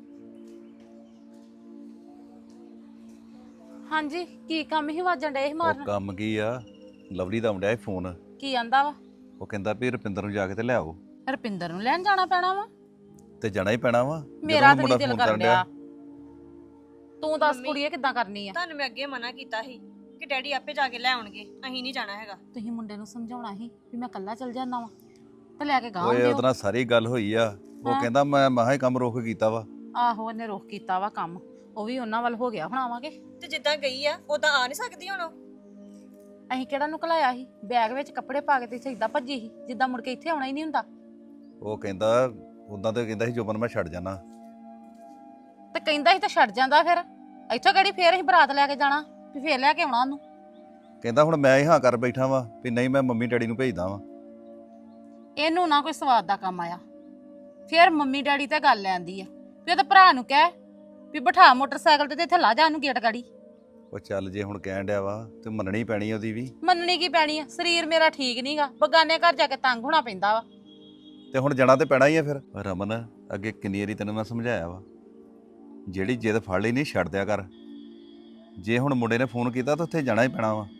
[SPEAKER 1] ਹਾਂਜੀ ਕੀ ਕੰਮ ਹੀ ਵਾਜਣ ਡਏ ਸੀ
[SPEAKER 2] ਉਹ
[SPEAKER 1] ਮਾਰਨ?
[SPEAKER 2] ਕੰਮ ਕੀ ਆ, ਲਵਲੀ ਦਾ ਆਉਂਦਾ ਫੋਨ।
[SPEAKER 1] ਕੀ ਆਂਦਾ ਵਾ?
[SPEAKER 2] ਉਹ ਕਹਿੰਦਾ ਵੀ ਰੁਪਿੰਦਰ ਨੂੰ ਜਾ ਕੇ ਤੇ ਲਿਆਓ।
[SPEAKER 1] ਰੁਪਿੰਦਰ ਨੂੰ ਲੈਣ ਜਾਣਾ ਪੈਣਾ ਵਾ?
[SPEAKER 2] ਤੇ ਜਾਣਾ ਹੀ ਪੈਣਾ ਵਾ,
[SPEAKER 1] ਮੇਰਾ
[SPEAKER 2] ਜਦੋਂ
[SPEAKER 1] ਤਾਂ
[SPEAKER 2] ਮੁੰਡਾ
[SPEAKER 1] ਨਹੀਂ ਦਿਲ
[SPEAKER 2] ਫੋਨ
[SPEAKER 1] ਕਰਨ
[SPEAKER 2] ਡਿਆ।
[SPEAKER 1] ਡਿਆ। ਤੂੰ ਦੱਸ
[SPEAKER 6] ਮੰਮੀ,
[SPEAKER 1] ਕੁੜੀਏ ਕਿੱਦਾਂ ਕਰਨੀ ਆ?
[SPEAKER 6] ਤੁਹਾਨੂੰ ਮੈਂ ਅੱਗੇ ਮਨਾ ਕੀਤਾ ਸੀ ਕਿ ਡੈਡੀ ਆਪੇ ਜਾ ਕੇ ਲੈ ਆਉਣਗੇ, ਅਸੀਂ ਨਹੀਂ ਜਾਣਾ ਹੈਗਾ।
[SPEAKER 1] ਤੁਸੀਂ ਮੁੰਡੇ ਨੂੰ ਸਮਝਾਉਣਾ ਸੀ ਵੀ ਮੈਂ ਕੱਲਾ ਚੱਲ ਜਾਣਾ ਵਾ ਤੇ ਲੈ ਕੇ ਗਾਂ
[SPEAKER 2] ਓਏ
[SPEAKER 1] ਦਿਓ।
[SPEAKER 2] ਉਹਦੇ ਨਾਲ ਸਾਰੀ ਗੱਲ ਹੋਈ ਆ। ਉਹ
[SPEAKER 1] ਹਾਂ।
[SPEAKER 2] ਕਹਿੰਦਾ ਮੈਂ ਮਹਾ ਹੀ ਕੰਮ ਰੋਕ ਕੀਤਾ ਵਾ।
[SPEAKER 1] ਆਹੋ ਉਹਨੇ ਰੋਕ ਕੀਤਾ ਵਾ ਕੰਮ, ਉਹ ਵੀ ਉਹਨਾਂ ਵੱਲ ਹੋ ਗਿਆ ਬਣਾਵਾਂਗੇ।
[SPEAKER 6] ਤੇ ਜਿੱਦਾਂ ਗਈ ਆ ਉਦਾਂ ਆ ਨਹੀਂ ਸਕਦੀ ਹੁਣ ਉਹ?
[SPEAKER 1] ਅਸੀਂ ਕਿਹੜਾ ਨੂੰ ਘਲਾਇਆ ਸੀ? ਬੈਗ ਵਿੱਚ ਕੱਪੜੇ ਪਾ ਕੇ ਤੇ ਸਿੱਧਾ ਭੱਜੀ ਸੀ, ਜਿੱਦਾਂ ਮੁੜ ਕੇ ਇੱਥੇ ਆਉਣਾ ਹੀ ਨਹੀਂ ਹੁੰਦਾ।
[SPEAKER 2] ਉਹ ਕਹਿੰਦਾ ਉਦਾਂ ਤੇ ਕਹਿੰਦਾ ਸੀ ਜੋਬਨ ਮੈਂ ਛੱਡ ਜਾਣਾ।
[SPEAKER 1] ਤੇ ਕਹਿੰਦਾ ਸੀ ਤਾਂ ਛੱਡ ਜਾਂਦਾ, ਫਿਰ ਇੱਥੋਂ ਕਿਹੜੀ ਫੇਰ ਅਸੀਂ ਬਰਾਤ ਲੈ ਕੇ ਜਾਣਾ ਵੀ ਫੇਰ ਲੈ ਕੇ ਆਉਣਾ ਉਹਨੂੰ?
[SPEAKER 2] ਕਹਿੰਦਾ ਹੁਣ ਮੈਂ ਹੀ ਹਾਂ ਕਰ ਬੈਠਾ ਵਾਂ ਵੀ ਨਹੀਂ ਮੈਂ ਮੰਮੀ ਡੈਡੀ ਨੂੰ ਭੇਜਦਾ ਵਾਂ।
[SPEAKER 1] ਇਹਨੂੰ ਨਾ ਕੋਈ ਸਵਾਦ ਦਾ ਕੰਮ ਆਇਆ, ਫਿਰ ਮੰਮੀ ਡੈਡੀ ਤੇ ਗੱਲ ਲੈਂਦੀ ਆ ਵੀ ਉਹਦੇ ਭਰਾ ਨੂੰ ਕਹਿ ਵੀ ਬਿਠਾ ਮੋਟਰਸਾਈਕਲ ਤੇ ਇੱਥੇ ਲਾ ਜਾ ਉਹਨੂੰ ਗੇਟ ਗਾੜੀ।
[SPEAKER 2] ਉਹ ਚੱਲ ਜੇ ਹੁਣ ਕਹਿਣ ਡਿਆ ਵਾ ਤੇ ਮੰਨਣੀ ਪੈਣੀ ਉਹਦੀ ਵੀ।
[SPEAKER 1] ਮੰਨਣੀ ਕੀ ਪੈਣੀ ਆ? ਸਰੀਰ ਮੇਰਾ ਠੀਕ ਨਹੀਂਗਾ, ਬਗਾਨੇ ਘਰ ਜਾ ਕੇ ਤੰਗ ਹੋਣਾ ਪੈਂਦਾ ਵਾ।
[SPEAKER 2] ਤੇ ਹੁਣ ਜਾਣਾ ਤੇ ਪੈਣਾ ਹੀ ਆ ਫਿਰ। ਰਮਨ ਅੱਗੇ ਕਿੰਨੀ ਵਾਰੀ ਤੈਨੂੰ ਮੈਂ ਸਮਝਾਇਆ ਵਾ, ਜਿਹੜੀ ਜਿੱਦ ਫੜ ਲਈ ਨਹੀਂ ਛੱਡ ਦਿਆ ਕਰ। ਜੇ ਹੁਣ ਮੁੰਡੇ ਨੇ ਫੋਨ ਕੀਤਾ ਤਾਂ ਉੱਥੇ ਜਾਣਾ ਹੀ ਪੈਣਾ ਵਾ।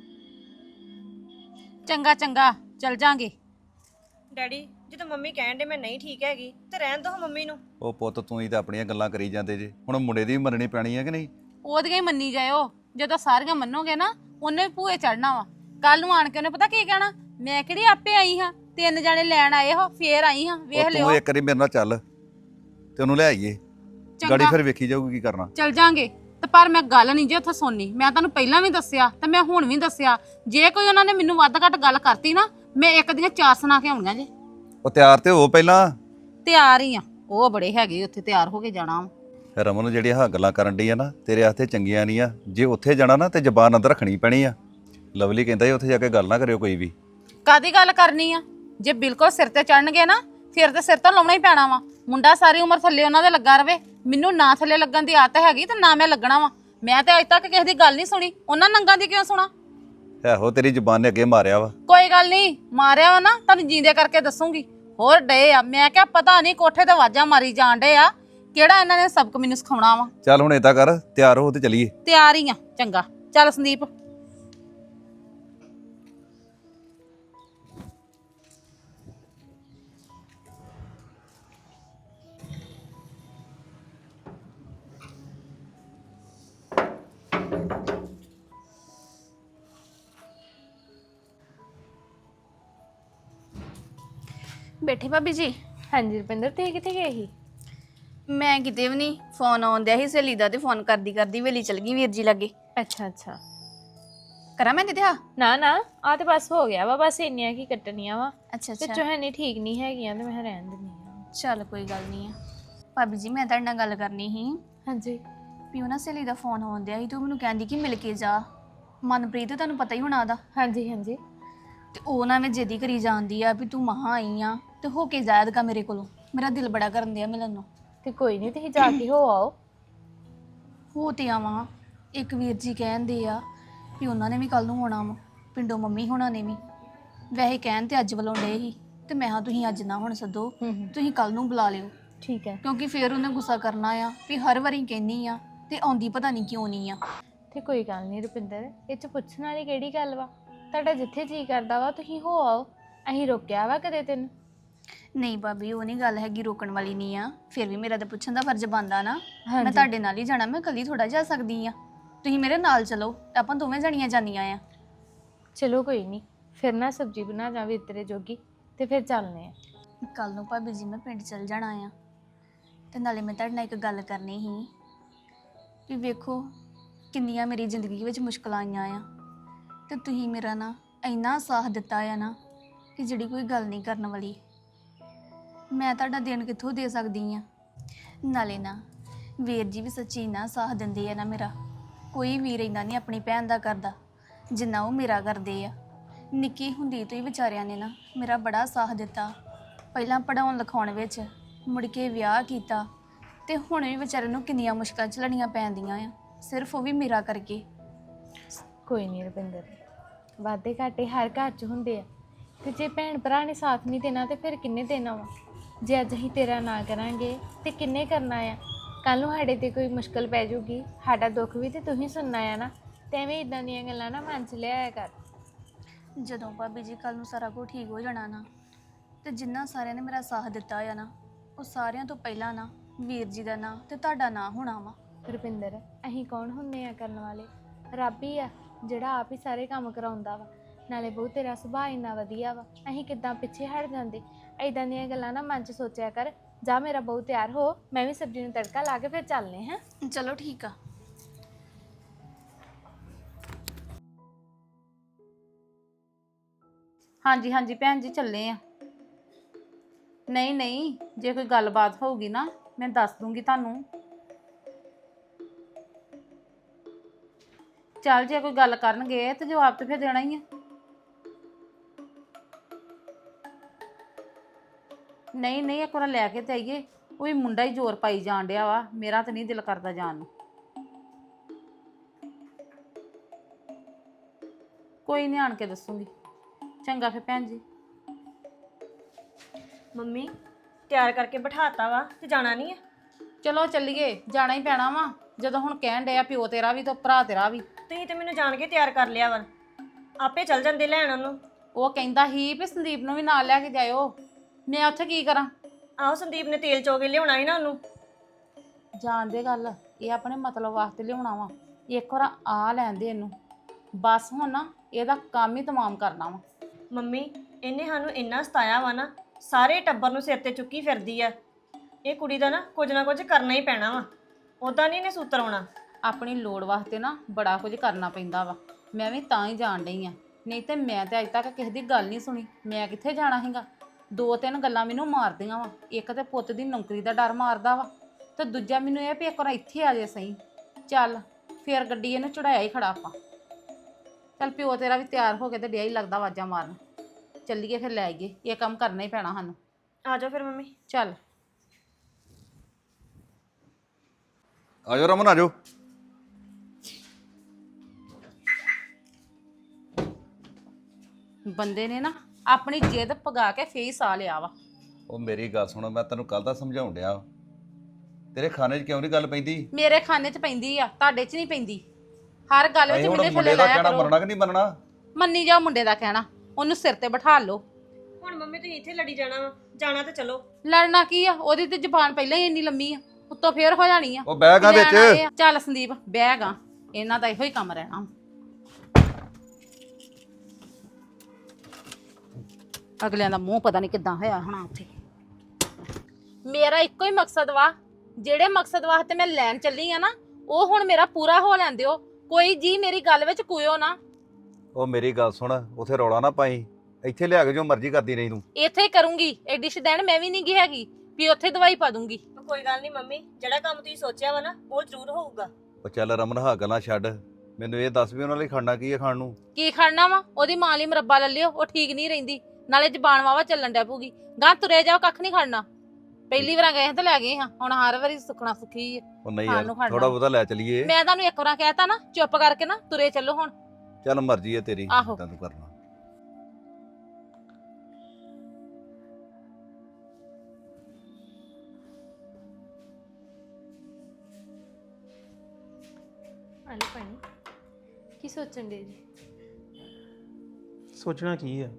[SPEAKER 1] ਚੰਗਾ ਚੰਗਾ ਚੱਲ ਜਾਾਂਗੇ।
[SPEAKER 6] ਡੈਡੀ ਜਦੋਂ ਮੰਮੀ ਕਹਿਣ ਦੇ ਮੈਂ ਨਹੀਂ ਠੀਕ ਹੈਗੀ ਤੇ ਰਹਿਣ ਦੋ ਮੰਮੀ ਨੂੰ।
[SPEAKER 2] ਉਹ ਪੁੱਤ ਤੂੰ ਹੀ ਤਾਂ ਆਪਣੀਆਂ ਗੱਲਾਂ ਕਰੀ ਜਾਂਦੇ ਜੇ, ਹੁਣ ਮੁੰਡੇ ਦੀ ਵੀ ਮੰਨਣੀ ਪੈਣੀ ਹੈ ਕਿ ਨਹੀਂ?
[SPEAKER 1] ਉਹਦੀਆਂ ਹੀ ਮੰਨੀ ਜਾਇਓ, ਜਦੋਂ ਸਾਰੀਆਂ ਮੰਨੋਗੇ ਨਾ ਉਹਨੇ ਵੀ ਭੂਏ ਚੜਨਾ ਵਾ। ਕੱਲ ਨੂੰ ਆਣ ਕੇ ਉਹਨੇ ਪਤਾ ਕੀ ਕਹਿਣਾ, ਮੈਂ ਕਿਹੜੀ ਆਪੇ ਆਈ ਹਾਂ, 3 ਜਾਣੇ ਲੈਣ ਆਏ ਹੋ ਫੇਰ ਆਈ ਹਾਂ, ਵੇਖ
[SPEAKER 2] ਉਹ
[SPEAKER 1] ਲਿਓ।
[SPEAKER 2] ਤੂੰ ਇੱਕ ਵਾਰੀ ਮੇਰੇ ਨਾਲ ਚੱਲ ਤੇ ਉਹਨੂੰ ਲੈ ਆਈਏ, ਗਾੜੀ ਫਿਰ ਵੇਖੀ ਜਾਊਗੀ ਕੀ ਕਰਨਾ।
[SPEAKER 1] ਚੱਲ ਜਾਾਂਗੇ ਤੇ ਪਰ ਮੈਂ ਗੱਲ ਨਹੀਂ ਜੇ ਉੱਥੇ ਸੁਣਨੀ। ਮੈਂ ਤੁਹਾਨੂੰ ਪਹਿਲਾਂ ਵੀ ਦੱਸਿਆ ਤੇ ਮੈਂ ਹੁਣ ਵੀ ਦੱਸਿਆ, ਜੇ ਕੋਈ ਉਹਨਾਂ ਨੇ ਮੈਨੂੰ ਵੱਧ ਘੱਟ ਗੱਲ ਕਰਤੀ ਨਾ, ਮੈਂ ਇੱਕ ਦੀਆਂ 4 ਸੁਣਾ ਕੇ ਆਉਣੀਆਂ ਜੇ।
[SPEAKER 2] ਉਹ ਤਿਆਰ ਤੇ ਹੋ ਪਹਿਲਾਂ।
[SPEAKER 1] ਤਿਆਰ ਹੀ ਆ, ਉਹ ਬੜੇ ਹੈਗੇ ਉੱਥੇ ਤਿਆਰ ਹੋ ਕੇ ਜਾਣਾ ਵਾ।
[SPEAKER 2] ਰਮਨ ਨੂੰ ਜਿਹੜੀਆਂ ਗੱਲਾਂ ਕਰਨ ਡਈ ਆ ਨਾ ਤੇਰੇ ਵਾਸਤੇ ਚੰਗੀਆਂ ਨਹੀਂ ਆ। ਜੇ ਉੱਥੇ ਜਾਣਾ ਨਾ ਤੇ ਜ਼ਬਾਨ ਅੰਦਰ ਰੱਖਣੀ ਪੈਣੀ ਆ। ਲਵਲੀ ਕਹਿੰਦਾ ਸੀ ਉੱਥੇ ਜਾ ਕੇ ਗੱਲ ਨਾ ਕਰਿਓ ਕੋਈ ਵੀ।
[SPEAKER 1] ਕਾਦੀ ਗੱਲ ਕਰਨੀ ਆ? ਜੇ ਬਿਲਕੁਲ ਸਿਰ ਤੇ ਚੜਨਗੇ ਨਾ ਫਿਰ ਤੇ ਸਿਰ ਤੋਂ ਲਾਉਣਾ ਹੀ ਪੈਣਾ ਵਾ। ਮੁੰਡਾ ਸਾਰੀ ਉਮਰ ਥੱਲੇ ਉਹਨਾਂ ਦੇ ਲੱਗਾ ਰਵੇ, ਮੈਨੂੰ ਨਾ ਥੱਲੇ ਲੱਗਣ ਦੀ ਆਦਤ ਹੈਗੀ ਤੇ ਨਾ ਮੈਂ ਲੱਗਣਾ ਵਾ। ਮੈਂ ਤੇ ਅੱਜ ਤੱਕ ਕਿਸੇ ਦੀ ਗੱਲ ਨਹੀਂ ਸੁਣੀ, ਉਹਨਾਂ ਨੰਗਾਂ ਦੀ ਕਿਉਂ ਸੁਣਾ?
[SPEAKER 2] ਇਹੋ ਤੇਰੀ ਜ਼ਬਾਨ ਨੇ ਅੱਗੇ ਮਾਰਿਆ ਵਾ।
[SPEAKER 1] ਕੋਈ ਗੱਲ ਨਹੀਂ, ਮਾਰਿਆ ਵਾ ਨਾ ਤੁਹਾਨੂੰ ਜੀਂਦੇ ਕਰਕੇ ਦੱਸੂਗੀ। ਹੋਰ ਡੇ ਆ, ਮੈਂ ਕਿਹਾ ਪਤਾ ਨਹੀਂ ਕੋਠੇ ਤੇ ਆਵਾਜ਼ਾਂ ਮਾਰੀ ਜਾਣ ਡੇ ਆ, ਕਿਹੜਾ ਇਹਨਾਂ ਨੇ ਸਬਕ ਮੈਨੂੰ ਸਿਖਾਉਣਾ ਵਾ।
[SPEAKER 2] ਚੱਲ ਹੁਣ ਏਦਾਂ ਕਰ, ਤਿਆਰ ਹੋ ਤੇ ਚੱਲੀਏ।
[SPEAKER 1] ਤਿਆਰ ਹੀ ਆ। ਚੰਗਾ ਚੱਲ ਸੰਦੀਪ।
[SPEAKER 3] ਬੈਠੇ ਭਾਬੀ ਜੀ?
[SPEAKER 7] ਹਾਂਜੀ ਰੁਪਿੰਦਰ, ਤੁਸੀਂ ਕਿੱਥੇ ਗਏ ਸੀ?
[SPEAKER 3] ਮੈਂ ਕਿਤੇ ਵੀ ਨਹੀਂ, ਫੋਨ ਆਉਂਦਿਆ ਸੀ ਸਹੇਲੀ ਦਾ ਤੇ ਫੋਨ ਕਰਦੀ ਕਰਦੀ ਵੇਲੀ ਚਲ ਗਈ ਵੀਰ ਜੀ ਲਾਗੇ।
[SPEAKER 7] ਅੱਛਾ ਅੱਛਾ।
[SPEAKER 3] ਕਰਾਂ ਮੈਂ ਦਿੱਤਾ?
[SPEAKER 7] ਨਾ ਨਾ, ਆ ਤੇ ਬਸ ਹੋ ਗਿਆ ਵਾ, ਬਸ ਇੰਨੀਆਂ ਕੀ ਕੱਟਣੀਆਂ ਵਾ।
[SPEAKER 3] ਅੱਛਾ
[SPEAKER 7] ਤੇ
[SPEAKER 3] ਅੱਛਾ,
[SPEAKER 7] ਚੋਹਨੀ ਠੀਕ ਨਹੀਂ ਹੈਗੀਆਂ ਤੇ ਮੈਂ ਰਹਿਣ ਦਿੰਦੀ ਆ।
[SPEAKER 3] ਚੱਲ ਕੋਈ ਗੱਲ ਨਹੀਂ ਆ। ਭਾਬੀ ਜੀ ਮੈਂ ਤੁਹਾਡੇ ਨਾਲ ਗੱਲ ਕਰਨੀ ਸੀ
[SPEAKER 7] ਹਾਂਜੀ।
[SPEAKER 3] ਵੀ ਉਹ ਨਾ ਸਹੇਲੀ ਦਾ ਫੋਨ ਆਉਂਦਿਆ ਸੀ ਤੇ ਉਹ ਮੈਨੂੰ ਕਹਿੰਦੀ ਕਿ ਮਿਲ ਕੇ ਜਾ। ਮਨਪ੍ਰੀਤ ਤੁਹਾਨੂੰ ਪਤਾ ਹੀ ਹੋਣਾ ਉਹਦਾ।
[SPEAKER 7] ਹਾਂਜੀ ਹਾਂਜੀ।
[SPEAKER 3] ਤੇ ਉਹ ਨਾ ਮੈਂ ਜਿੱਦੀ ਕਰੀ ਜਾਂਦੀ ਆ ਵੀ ਤੂੰ ਮਹਾਂ ਆਈ ਆ ਤੇ ਹੋ ਕੇ ਜਾਇਦਗਾ ਮੇਰੇ ਕੋਲੋਂ। ਮੇਰਾ ਦਿਲ ਬੜਾ ਕਰਨ ਦਿਆ ਮਿਲਣ ਨੂੰ।
[SPEAKER 7] ਤੇ ਕੋਈ ਨਹੀਂ, ਤੁਸੀਂ ਜਾ ਕੇ ਹੋ ਆਓ।
[SPEAKER 3] ਹੋ ਤੇ ਆਵਾਂ, ਇੱਕ ਵੀਰ ਜੀ ਕਹਿੰਦੇ ਆ ਵੀ ਉਹਨਾਂ ਨੇ ਵੀ ਕੱਲ ਨੂੰ ਆਉਣਾ ਵਾ, ਪਿੰਡੋਂ ਮੰਮੀ ਹੋਣਾ ਨੇ ਵੀ। ਵੈਸੇ ਕਹਿਣ ਤੇ ਅੱਜ ਬੁਲਾਉਣ ਡੇ ਸੀ ਤੇ ਮੈਂ ਹਾਂ ਤੁਸੀਂ ਅੱਜ ਨਾ ਹੁਣ ਸੱਦੋ, ਤੁਸੀਂ ਕੱਲ ਨੂੰ ਬੁਲਾ ਲਿਓ।
[SPEAKER 7] ਠੀਕ ਹੈ।
[SPEAKER 3] ਕਿਉਂਕਿ ਫਿਰ ਉਹਨੇ ਗੁੱਸਾ ਕਰਨਾ ਆ ਵੀ ਹਰ ਵਾਰੀ ਕਹਿੰਨੀ ਆ ਤੇ ਆਉਂਦੀ ਪਤਾ ਨਹੀਂ ਕਿਉਂ ਨਹੀਂ ਆ।
[SPEAKER 7] ਤੇ ਕੋਈ ਗੱਲ ਨਹੀਂ ਰੁਪਿੰਦਰ, ਇਹ ਚ ਪੁੱਛਣ ਵਾਲੀ ਕਿਹੜੀ ਗੱਲ ਵਾ? ਤੁਹਾਡਾ ਜਿੱਥੇ ਜੀ ਕਰਦਾ ਵਾ ਤੁਸੀਂ ਹੋ ਆਓ। ਅਸੀਂ ਰੋਕਿਆ ਵਾ ਕਦੇ ਤੈਨੂੰ?
[SPEAKER 3] ਨਹੀਂ ਭਾਬੀ, ਉਹ ਨਹੀਂ ਗੱਲ ਹੈਗੀ, ਰੋਕਣ ਵਾਲੀ ਨਹੀਂ ਆ। ਫਿਰ ਵੀ ਮੇਰਾ ਤਾਂ ਪੁੱਛਣ ਦਾ ਫਰਜ਼ ਬਣਦਾ ਨਾ। ਮੈਂ ਤੁਹਾਡੇ ਨਾਲ ਹੀ ਜਾਣਾ, ਮੈਂ ਕੱਲੀ ਥੋੜਾ ਜਾ ਸਕਦੀ ਆ। ਤੁਸੀਂ ਮੇਰੇ ਨਾਲ ਚਲੋ, ਆਪਾਂ ਦੋਵੇਂ ਜਣੀਆਂ ਜਾਂਦੀਆਂ ਆ।
[SPEAKER 7] ਚਲੋ ਕੋਈ ਨਹੀਂ, ਫਿਰ ਨਾ ਸਬਜ਼ੀ ਬਣਾ ਜਾਵੇ ਤੇਰੇ ਜੋਗੀ ਤੇ ਫਿਰ ਚੱਲਨੇ ਆ।
[SPEAKER 3] ਕੱਲ ਨੂੰ ਭਾਬੀ ਜੀ ਮੈਂ ਪਿੰਡ ਚਲ ਜਾਣਾ ਆ ਤੇ ਨਾਲੇ ਮੈਂ ਤੁਹਾਡੇ ਨਾਲ ਇੱਕ ਗੱਲ ਕਰਨੀ ਸੀ ਕਿ ਵੇਖੋ ਕਿੰਨੀਆਂ ਮੇਰੀ ਜ਼ਿੰਦਗੀ ਵਿੱਚ ਮੁਸ਼ਕਲਾਂ ਆਈਆਂ ਆ ਤੇ ਤੁਸੀਂ ਮੇਰਾ ਨਾ ਇੰਨਾ ਸਾਥ ਦਿੱਤਾ ਆ ਨਾ ਕਿ ਜਿਹੜੀ ਕੋਈ ਗੱਲ ਨਹੀਂ ਕਰਨ ਵਾਲੀ। ਮੈਂ ਤੁਹਾਡਾ ਦੇਣ ਕਿੱਥੋਂ ਦੇ ਸਕਦੀ ਆ? ਨਾਲੇ ਨਾ ਵੀਰ ਜੀ ਵੀ ਸੱਚੀ ਨਾ ਸਾਥ ਦਿੰਦੇ ਆ ਨਾ ਮੇਰਾ। ਕੋਈ ਵੀਰ ਇੰਨਾ ਨਹੀਂ ਆਪਣੀ ਭੈਣ ਦਾ ਕਰਦਾ ਜਿੰਨਾ ਉਹ ਮੇਰਾ ਕਰਦੇ ਆ। ਨਿੱਕੀ ਹੁੰਦੀ ਤੋਂ ਹੀ ਵਿਚਾਰਿਆਂ ਨੇ ਨਾ ਮੇਰਾ ਬੜਾ ਸਾਥ ਦਿੱਤਾ। ਪਹਿਲਾਂ ਪੜ੍ਹਾਉਣ ਲਿਖਾਉਣ ਵਿੱਚ, ਮੁੜ ਕੇ ਵਿਆਹ ਕੀਤਾ ਤੇ ਹੁਣ ਵੀ ਵਿਚਾਰੇ ਨੂੰ ਕਿੰਨੀਆਂ ਮੁਸ਼ਕਲਾਂ ਝੱਲਣੀਆਂ ਪੈਂਦੀਆਂ ਆ, ਸਿਰਫ ਉਹ ਵੀ ਮੇਰਾ ਕਰਕੇ।
[SPEAKER 7] ਕੋਈ ਨਹੀਂ ਰੁਪਿੰਦਰ, ਵਾਧੇ ਘਾਟੇ ਹਰ ਘਰ 'ਚ ਹੁੰਦੇ ਆ ਤੇ ਜੇ ਭੈਣ ਭਰਾ ਨੇ ਸਾਥ ਨਹੀਂ ਦੇਣਾ ਤੇ ਫਿਰ ਕਿੰਨੇ ਦੇਣਾ ਵਾ? ਜੇ ਅੱਜ ਅਸੀਂ ਤੇਰਾ ਨਾ ਕਰਾਂਗੇ ਤੇ ਕਿੰਨੇ ਕਰਨਾ ਆ? ਕੱਲ ਨੂੰ ਸਾਡੇ ਤੇ ਕੋਈ ਮੁਸ਼ਕਲ ਪੈ ਜਾਊਗੀ, ਸਾਡਾ ਦੁੱਖ ਵੀ ਤੇ ਤੂੰ ਹੀ ਸੁਣਨਾ ਆ ਨਾ। ਤੇ ਐਵੇਂ ਇਦਾਂ ਦੀਆਂ ਗੱਲਾਂ ਨਾ ਮਨ 'ਚ ਲਿਆਇਆ ਕਰ।
[SPEAKER 3] ਜਦੋਂ ਭਾਬੀ ਜੀ ਕੱਲ ਨੂੰ ਸਾਰਾ ਕੁਝ ਠੀਕ ਹੋ ਜਾਣਾ ਨਾ ਤੇ ਜਿੰਨਾ ਸਾਰਿਆਂ ਨੇ ਮੇਰਾ ਸਾਥ ਦਿੱਤਾ ਆ ਨਾ, ਉਹ ਸਾਰਿਆਂ ਤੋਂ ਪਹਿਲਾਂ ਨਾ ਵੀਰ ਜੀ ਦਾ ਨਾਂ ਤੇ ਤੁਹਾਡਾ ਨਾਂ ਹੋਣਾ ਵਾ।
[SPEAKER 7] ਰੁਪਿੰਦਰ, ਅਸੀਂ ਕੌਣ ਹੁੰਦੇ ਆ ਕਰਨ ਵਾਲੇ? ਰੱਬ ਹੀ ਆ ਜਿਹੜਾ ਆਪ ਹੀ ਸਾਰੇ ਕੰਮ ਕਰਾਉਂਦਾ ਵਾ। ਨਾਲੇ ਬਹੁਤ ਤੇਰਾ ਸੁਭਾਅ ਇੰਨਾ ਵਧੀਆ ਵਾ, ਅਸੀਂ ਕਿੱਦਾਂ ਪਿੱਛੇ ਹਟ ਜਾਂਦੇ? ਐਦਾਂ ਦੀਆਂ ਗੱਲਾਂ ਨਾ ਮਨ 'ਚ ਸੋਚਿਆ ਕਰ। ਜਾ ਮੇਰਾ ਬਹੁਤ ਤਿਆਰ ਹੋ, ਮੈਂ ਵੀ ਸਬਜ਼ੀ ਨੂੰ ਤੜਕਾ ਲਾ ਕੇ ਫਿਰ ਚੱਲਨੇ ਹਾਂ।
[SPEAKER 3] ਚਲੋ ਠੀਕ ਆ।
[SPEAKER 1] ਹਾਂਜੀ ਹਾਂਜੀ ਭੈਣ ਜੀ ਚੱਲੇ ਆ। ਨਹੀਂ ਨਹੀਂ, ਜੇ ਕੋਈ ਗੱਲਬਾਤ ਹੋਊਗੀ ਨਾ ਮੈਂ ਦੱਸ ਦੂੰਗੀ ਤੁਹਾਨੂੰ। ਚੱਲ ਜੇ ਕੋਈ ਗੱਲ ਕਰਨਗੇ ਤੇ ਜਵਾਬ ਤੇ ਫਿਰ ਦੇਣਾ ਹੀ ਆ। ਨਹੀਂ ਨਹੀਂ, ਇੱਕ ਵਾਰ ਲੈ ਕੇ ਤੇ ਆਈਏ। ਉਹ ਵੀ ਮੁੰਡਾ ਹੀ ਜ਼ੋਰ ਪਾਈ ਜਾਣ ਡਿਆ ਵਾ, ਮੇਰਾ ਤਾਂ ਨਹੀਂ ਦਿਲ ਕਰਦਾ ਜਾਣ ਨੂੰ। ਕੋਈ ਨਹੀਂ, ਆਣ ਕੇ ਦੱਸੂਗੀ। ਚੰਗਾ ਫਿਰ ਭੈਣ ਜੀ।
[SPEAKER 6] ਮੰਮੀ ਤਿਆਰ ਕਰਕੇ ਬਿਠਾਤਾ ਵਾ ਤੇ ਜਾਣਾ ਨਹੀਂ ਆ?
[SPEAKER 1] ਚਲੋ ਚੱਲੀਏ, ਜਾਣਾ ਹੀ ਪੈਣਾ ਵਾ। ਜਦੋਂ ਹੁਣ ਕਹਿਣ ਡਿਆ ਪਿਓ ਤੇਰਾ ਵੀ ਤੇ ਭਰਾ ਤੇਰਾ ਵੀ।
[SPEAKER 6] ਤੁਸੀਂ ਤੇ ਮੈਨੂੰ ਜਾਣ ਕੇ ਤਿਆਰ ਕਰ ਲਿਆ ਵਾ, ਆਪੇ ਚੱਲ ਜਾਂਦੇ ਲੈਣ ਉਹਨੂੰ।
[SPEAKER 1] ਉਹ ਕਹਿੰਦਾ ਸੀ ਵੀ ਸੰਦੀਪ ਨੂੰ ਵੀ ਨਾਲ ਲੈ ਕੇ ਜਾਇਓ, ਮੈਂ ਉੱਥੇ ਕੀ ਕਰਾਂ?
[SPEAKER 6] ਆਹੋ ਸੰਦੀਪ ਨੇ ਤੇਲ ਚੋ ਕੇ ਲਿਆਉਣਾ ਸੀ ਨਾ ਉਹਨੂੰ।
[SPEAKER 1] ਜਾਣਦੇ ਗੱਲ, ਇਹ ਆਪਣੇ ਮਤਲਬ ਵਾਸਤੇ ਲਿਆਉਣਾ ਵਾ। ਇੱਕ ਵਾਰ ਆ ਲੈਂਦੇ ਇਹਨੂੰ, ਬਸ ਹੁਣ ਨਾ ਇਹਦਾ ਕੰਮ ਹੀ ਤਮਾਮ ਕਰਨਾ ਵਾ।
[SPEAKER 6] ਮੰਮੀ ਇਹਨੇ ਸਾਨੂੰ ਇੰਨਾ ਸਤਾਇਆ ਵਾ ਨਾ, ਸਾਰੇ ਟੱਬਰ ਨੂੰ ਸਿਰ ਤੇ ਚੁੱਕੀ ਫਿਰਦੀ ਆ। ਇਹ ਕੁੜੀ ਦਾ ਨਾ ਕੁਝ ਕਰਨਾ ਹੀ ਪੈਣਾ ਵਾ, ਉਦਾਂ ਨਹੀਂ ਇਹਨੇ ਸੂਤਰ ਆਉਣਾ।
[SPEAKER 1] ਆਪਣੀ ਲੋੜ ਵਾਸਤੇ ਨਾ ਬੜਾ ਕੁਝ ਕਰਨਾ ਪੈਂਦਾ ਵਾ। ਮੈਂ ਵੀ ਤਾਂ ਹੀ ਜਾਣ ਡਈ ਆ, ਨਹੀਂ ਤੇ ਮੈਂ ਤੇ ਅੱਜ ਤੱਕ ਕਿਸੇ ਦੀ ਗੱਲ ਨਹੀਂ ਸੁਣੀ। ਮੈਂ ਕਿੱਥੇ ਜਾਣਾ ਹੈਗਾ? 2-3 ਗੱਲਾਂ ਮੈਨੂੰ ਮਾਰਦੀਆਂ ਵਾ। ਇੱਕ ਤੇ ਪੁੱਤ ਦੀ ਨੌਕਰੀ ਦਾ ਡਰ ਮਾਰਦਾ ਵਾ, ਤੇ ਦੂਜਾ ਮੈਨੂੰ ਇਹ ਵੀ ਇੱਕ ਵਾਰ ਇੱਥੇ ਆ ਜੇ ਸਹੀ। ਚੱਲ ਫੇਰ ਗੱਡੀ ਇਹਨੂੰ ਚੜਾਇਆ ਹੀ ਖੜਾ ਆਪਾਂ। ਚੱਲ ਪਿਓ ਤੇਰਾ ਵੀ ਤਿਆਰ ਹੋ ਕੇ ਤੇ ਡਿਆ ਹੀ ਲੱਗਦਾ ਆਵਾਜ਼ਾਂ ਮਾਰਨ। ਚੱਲੀਏ ਫਿਰ ਲੈ ਆਈਏ, ਇਹ ਕੰਮ ਕਰਨਾ ਹੀ ਪੈਣਾ ਸਾਨੂੰ।
[SPEAKER 6] ਆ ਜਾਓ ਫਿਰ ਮੰਮੀ।
[SPEAKER 1] ਚੱਲ
[SPEAKER 2] ਆ ਜਾਓ ਰਮਨ, ਆ ਜਾਓ।
[SPEAKER 1] ਬੰਦੇ ਨੇ ਨਾ ਆਪਣੀ ਜਿੱਦ ਪਗਾ ਕੇ ਫੇਸ ਆ ਲਿਆ ਵਾ।
[SPEAKER 2] ਉਹ ਮੇਰੀ ਗੱਲ ਸੁਣੋ, ਮੈਂ ਤੈਨੂੰ ਕੱਲ ਦਾ ਸਮਝਾਉਣ ਡਿਆ ਵਾਂ। ਤੇਰੇ ਖਾਣੇ 'ਚ ਕਿਉਂ ਨਹੀਂ ਗੱਲ ਪੈਂਦੀ?
[SPEAKER 1] ਮੇਰੇ ਖਾਨੇ 'ਚ ਪੈਂਦੀ ਆ, ਤੁਹਾਡੇ 'ਚ ਨਹੀਂ ਪੈਂਦੀ। ਹਰ ਗੱਲ ਵਿੱਚ
[SPEAKER 2] ਅਸੀਂ ਹੁਣ
[SPEAKER 1] ਮੇਰੇ
[SPEAKER 2] ਮੁੰਡੇ
[SPEAKER 1] ਥੱਲੇ
[SPEAKER 2] ਦਾ
[SPEAKER 1] ਲਾਇਆ
[SPEAKER 2] ਕਹਿਣਾ
[SPEAKER 1] ਕਰੋ।
[SPEAKER 2] ਮੰਨਣਾ ਕਿ ਨਹੀਂ ਮੰਨਣਾ?
[SPEAKER 1] ਮੰਨੀ ਜਾਓ ਮੁੰਡੇ ਦਾ ਕਹਿਣਾ, ਉਹਨੂੰ ਸਿਰ ਤੇ ਬਿਠਾ ਲਓ।
[SPEAKER 6] ਹੁਣ ਮੰਮੀ ਤੁਸੀਂ ਇੱਥੇ ਲੜੀ ਜਾਣਾ ਵਾ, ਜਾਣਾ ਤੇ ਚਲੋ।
[SPEAKER 1] ਲੜਨਾ ਕੀ ਆ? ਉਹਦੀ ਤੇ ਜ਼ਬਾਨ ਪਹਿਲਾਂ ਹੀ ਇੰਨੀ ਲੰਮੀ ਆ, ਉੱਤੋਂ ਫੇਰ ਹੋ ਜਾਣੀ ਆ।
[SPEAKER 2] ਉਹ ਬਹਿ ਗਾ
[SPEAKER 1] ਲੈਣ ਆਏ
[SPEAKER 2] ਵਿੱਚ।
[SPEAKER 1] ਆ। ਚੱਲ ਸੰਦੀਪ ਬਹਿ ਗਾ, ਇਹਨਾਂ ਦਾ ਇਹੋ ਹੀ ਕੰਮ ਰਹਿਣਾ। ਅਗਲਿਆਂ ਦਾ ਮੂੰਹ ਪਤਾ ਨਹੀਂ ਕਿੱਦਾਂ ਹੋਇਆ ਹੋਣਾ ਉੱਥੇ। ਮੇਰਾ ਇੱਕੋ ਹੀ ਮਕਸਦ ਵਾ, ਜਿਹੜੇ ਮਕਸਦ ਵਾਸਤੇ ਮੈਂ ਲੈਣ ਚੱਲੀ ਆ ਨਾ, ਉਹ ਹੁਣ ਮੇਰਾ ਪੂਰਾ ਹੋ ਲੈਣ ਦਿਓ। ਕੋਈ ਜੀ ਮੇਰੀ ਗੱਲ ਵਿੱਚ ਕੋਇਓ ਨਾ।
[SPEAKER 2] ਉਹ ਮੇਰੀ ਗੱਲ ਸੁਣ, ਉਥੇ ਰੌਲਾ ਨਾ ਪਾਈ। ਇੱਥੇ ਲਿਆ ਕੇ ਜੋ ਮਰਜ਼ੀ ਕਰਦੀ ਰਹੀ ਤੂੰ।
[SPEAKER 1] ਇੱਥੇ ਹੀ ਕਰੂੰਗੀ, ਐਡੀ ਸ਼ਦੈਣ ਮੈਂ ਵੀ ਨਹੀਂ ਗੀ ਹੈਗੀ ਵੀ ਉੱਥੇ ਦਵਾਈ ਪਾ ਦੂੰਗੀ।
[SPEAKER 6] ਕੋਈ ਗੱਲ ਨਹੀਂ ਮੰਮੀ, ਜਿਹੜਾ ਕੰਮ ਤੁਸੀਂ ਸੋਚਿਆ ਵਾ ਨਾ ਉਹ ਜ਼ਰੂਰ ਹੋਊਗਾ।
[SPEAKER 2] ਉਹ ਚੱਲ ਰਮਨ, ਹਾਂ ਗੱਲਾਂ ਛੱਡ, ਮੈਨੂੰ ਇਹ ਦੱਸ ਵੀ ਉਹਨਾਂ ਲਈ ਖਾਣਾ ਕੀ ਹੈ ਖਾਣ ਨੂੰ?
[SPEAKER 1] ਕੀ ਖੜਨਾ ਵਾ? ਉਹਦੀ ਮਾਂ ਲਈ ਮੁਰੱਬਾ ਲੈ ਲਿਓ, ਉਹ ਠੀਕ ਨਹੀਂ ਰਹਿੰਦੀ। ਨਾਲੇ ਜ਼ਬਾਨ ਵਾਵਾ ਚੱਲਣ ਡੈ ਪਊਗੀ। ਗਾਂ ਤੁਰੇ ਜਾਓ, ਕੱਖ ਨਹੀਂ ਖੜਨਾ। ਪਹਿਲੀ ਵਾਰ ਗਏ ਹਾਂ ਤੇ ਲੈ ਗਏ ਹਾਂ, ਹੁਣ ਹਰ ਵਾਰੀ ਸੁੱਖਣਾ ਸੁੱਖੀ ਆ।
[SPEAKER 2] ਉਹ ਨਹੀਂ
[SPEAKER 1] ਖਾਣ
[SPEAKER 2] ਯਾਰ,
[SPEAKER 1] ਨੂੰ ਖੜਨਾ।
[SPEAKER 2] ਥੋੜਾ ਬਹੁਤਾ ਲੈ ਚਲੀਏ।
[SPEAKER 1] ਮੈਂ ਤੁਹਾਨੂੰ ਇੱਕ ਵਾਰ ਕਹਿਤਾ ਨਾ, ਚੁੱਪ ਕਰਕੇ ਨਾ ਤੁਰੇ ਚੱਲੋ ਹੁਣ।
[SPEAKER 2] ਚੱਲ ਮਰਜ਼ੀ ਹੈ ਤੇਰੀ,
[SPEAKER 1] ਆਹੋ।
[SPEAKER 2] ਜਿੱਦਾਂ ਤੂੰ ਕਰਨਾ।
[SPEAKER 7] ਆਲੂ ਪਾਣੀ ਕੀ ਸੋਚਣ ਦੇ ਜੀ?
[SPEAKER 4] ਸੋਚਣਾ ਕੀ ਆ?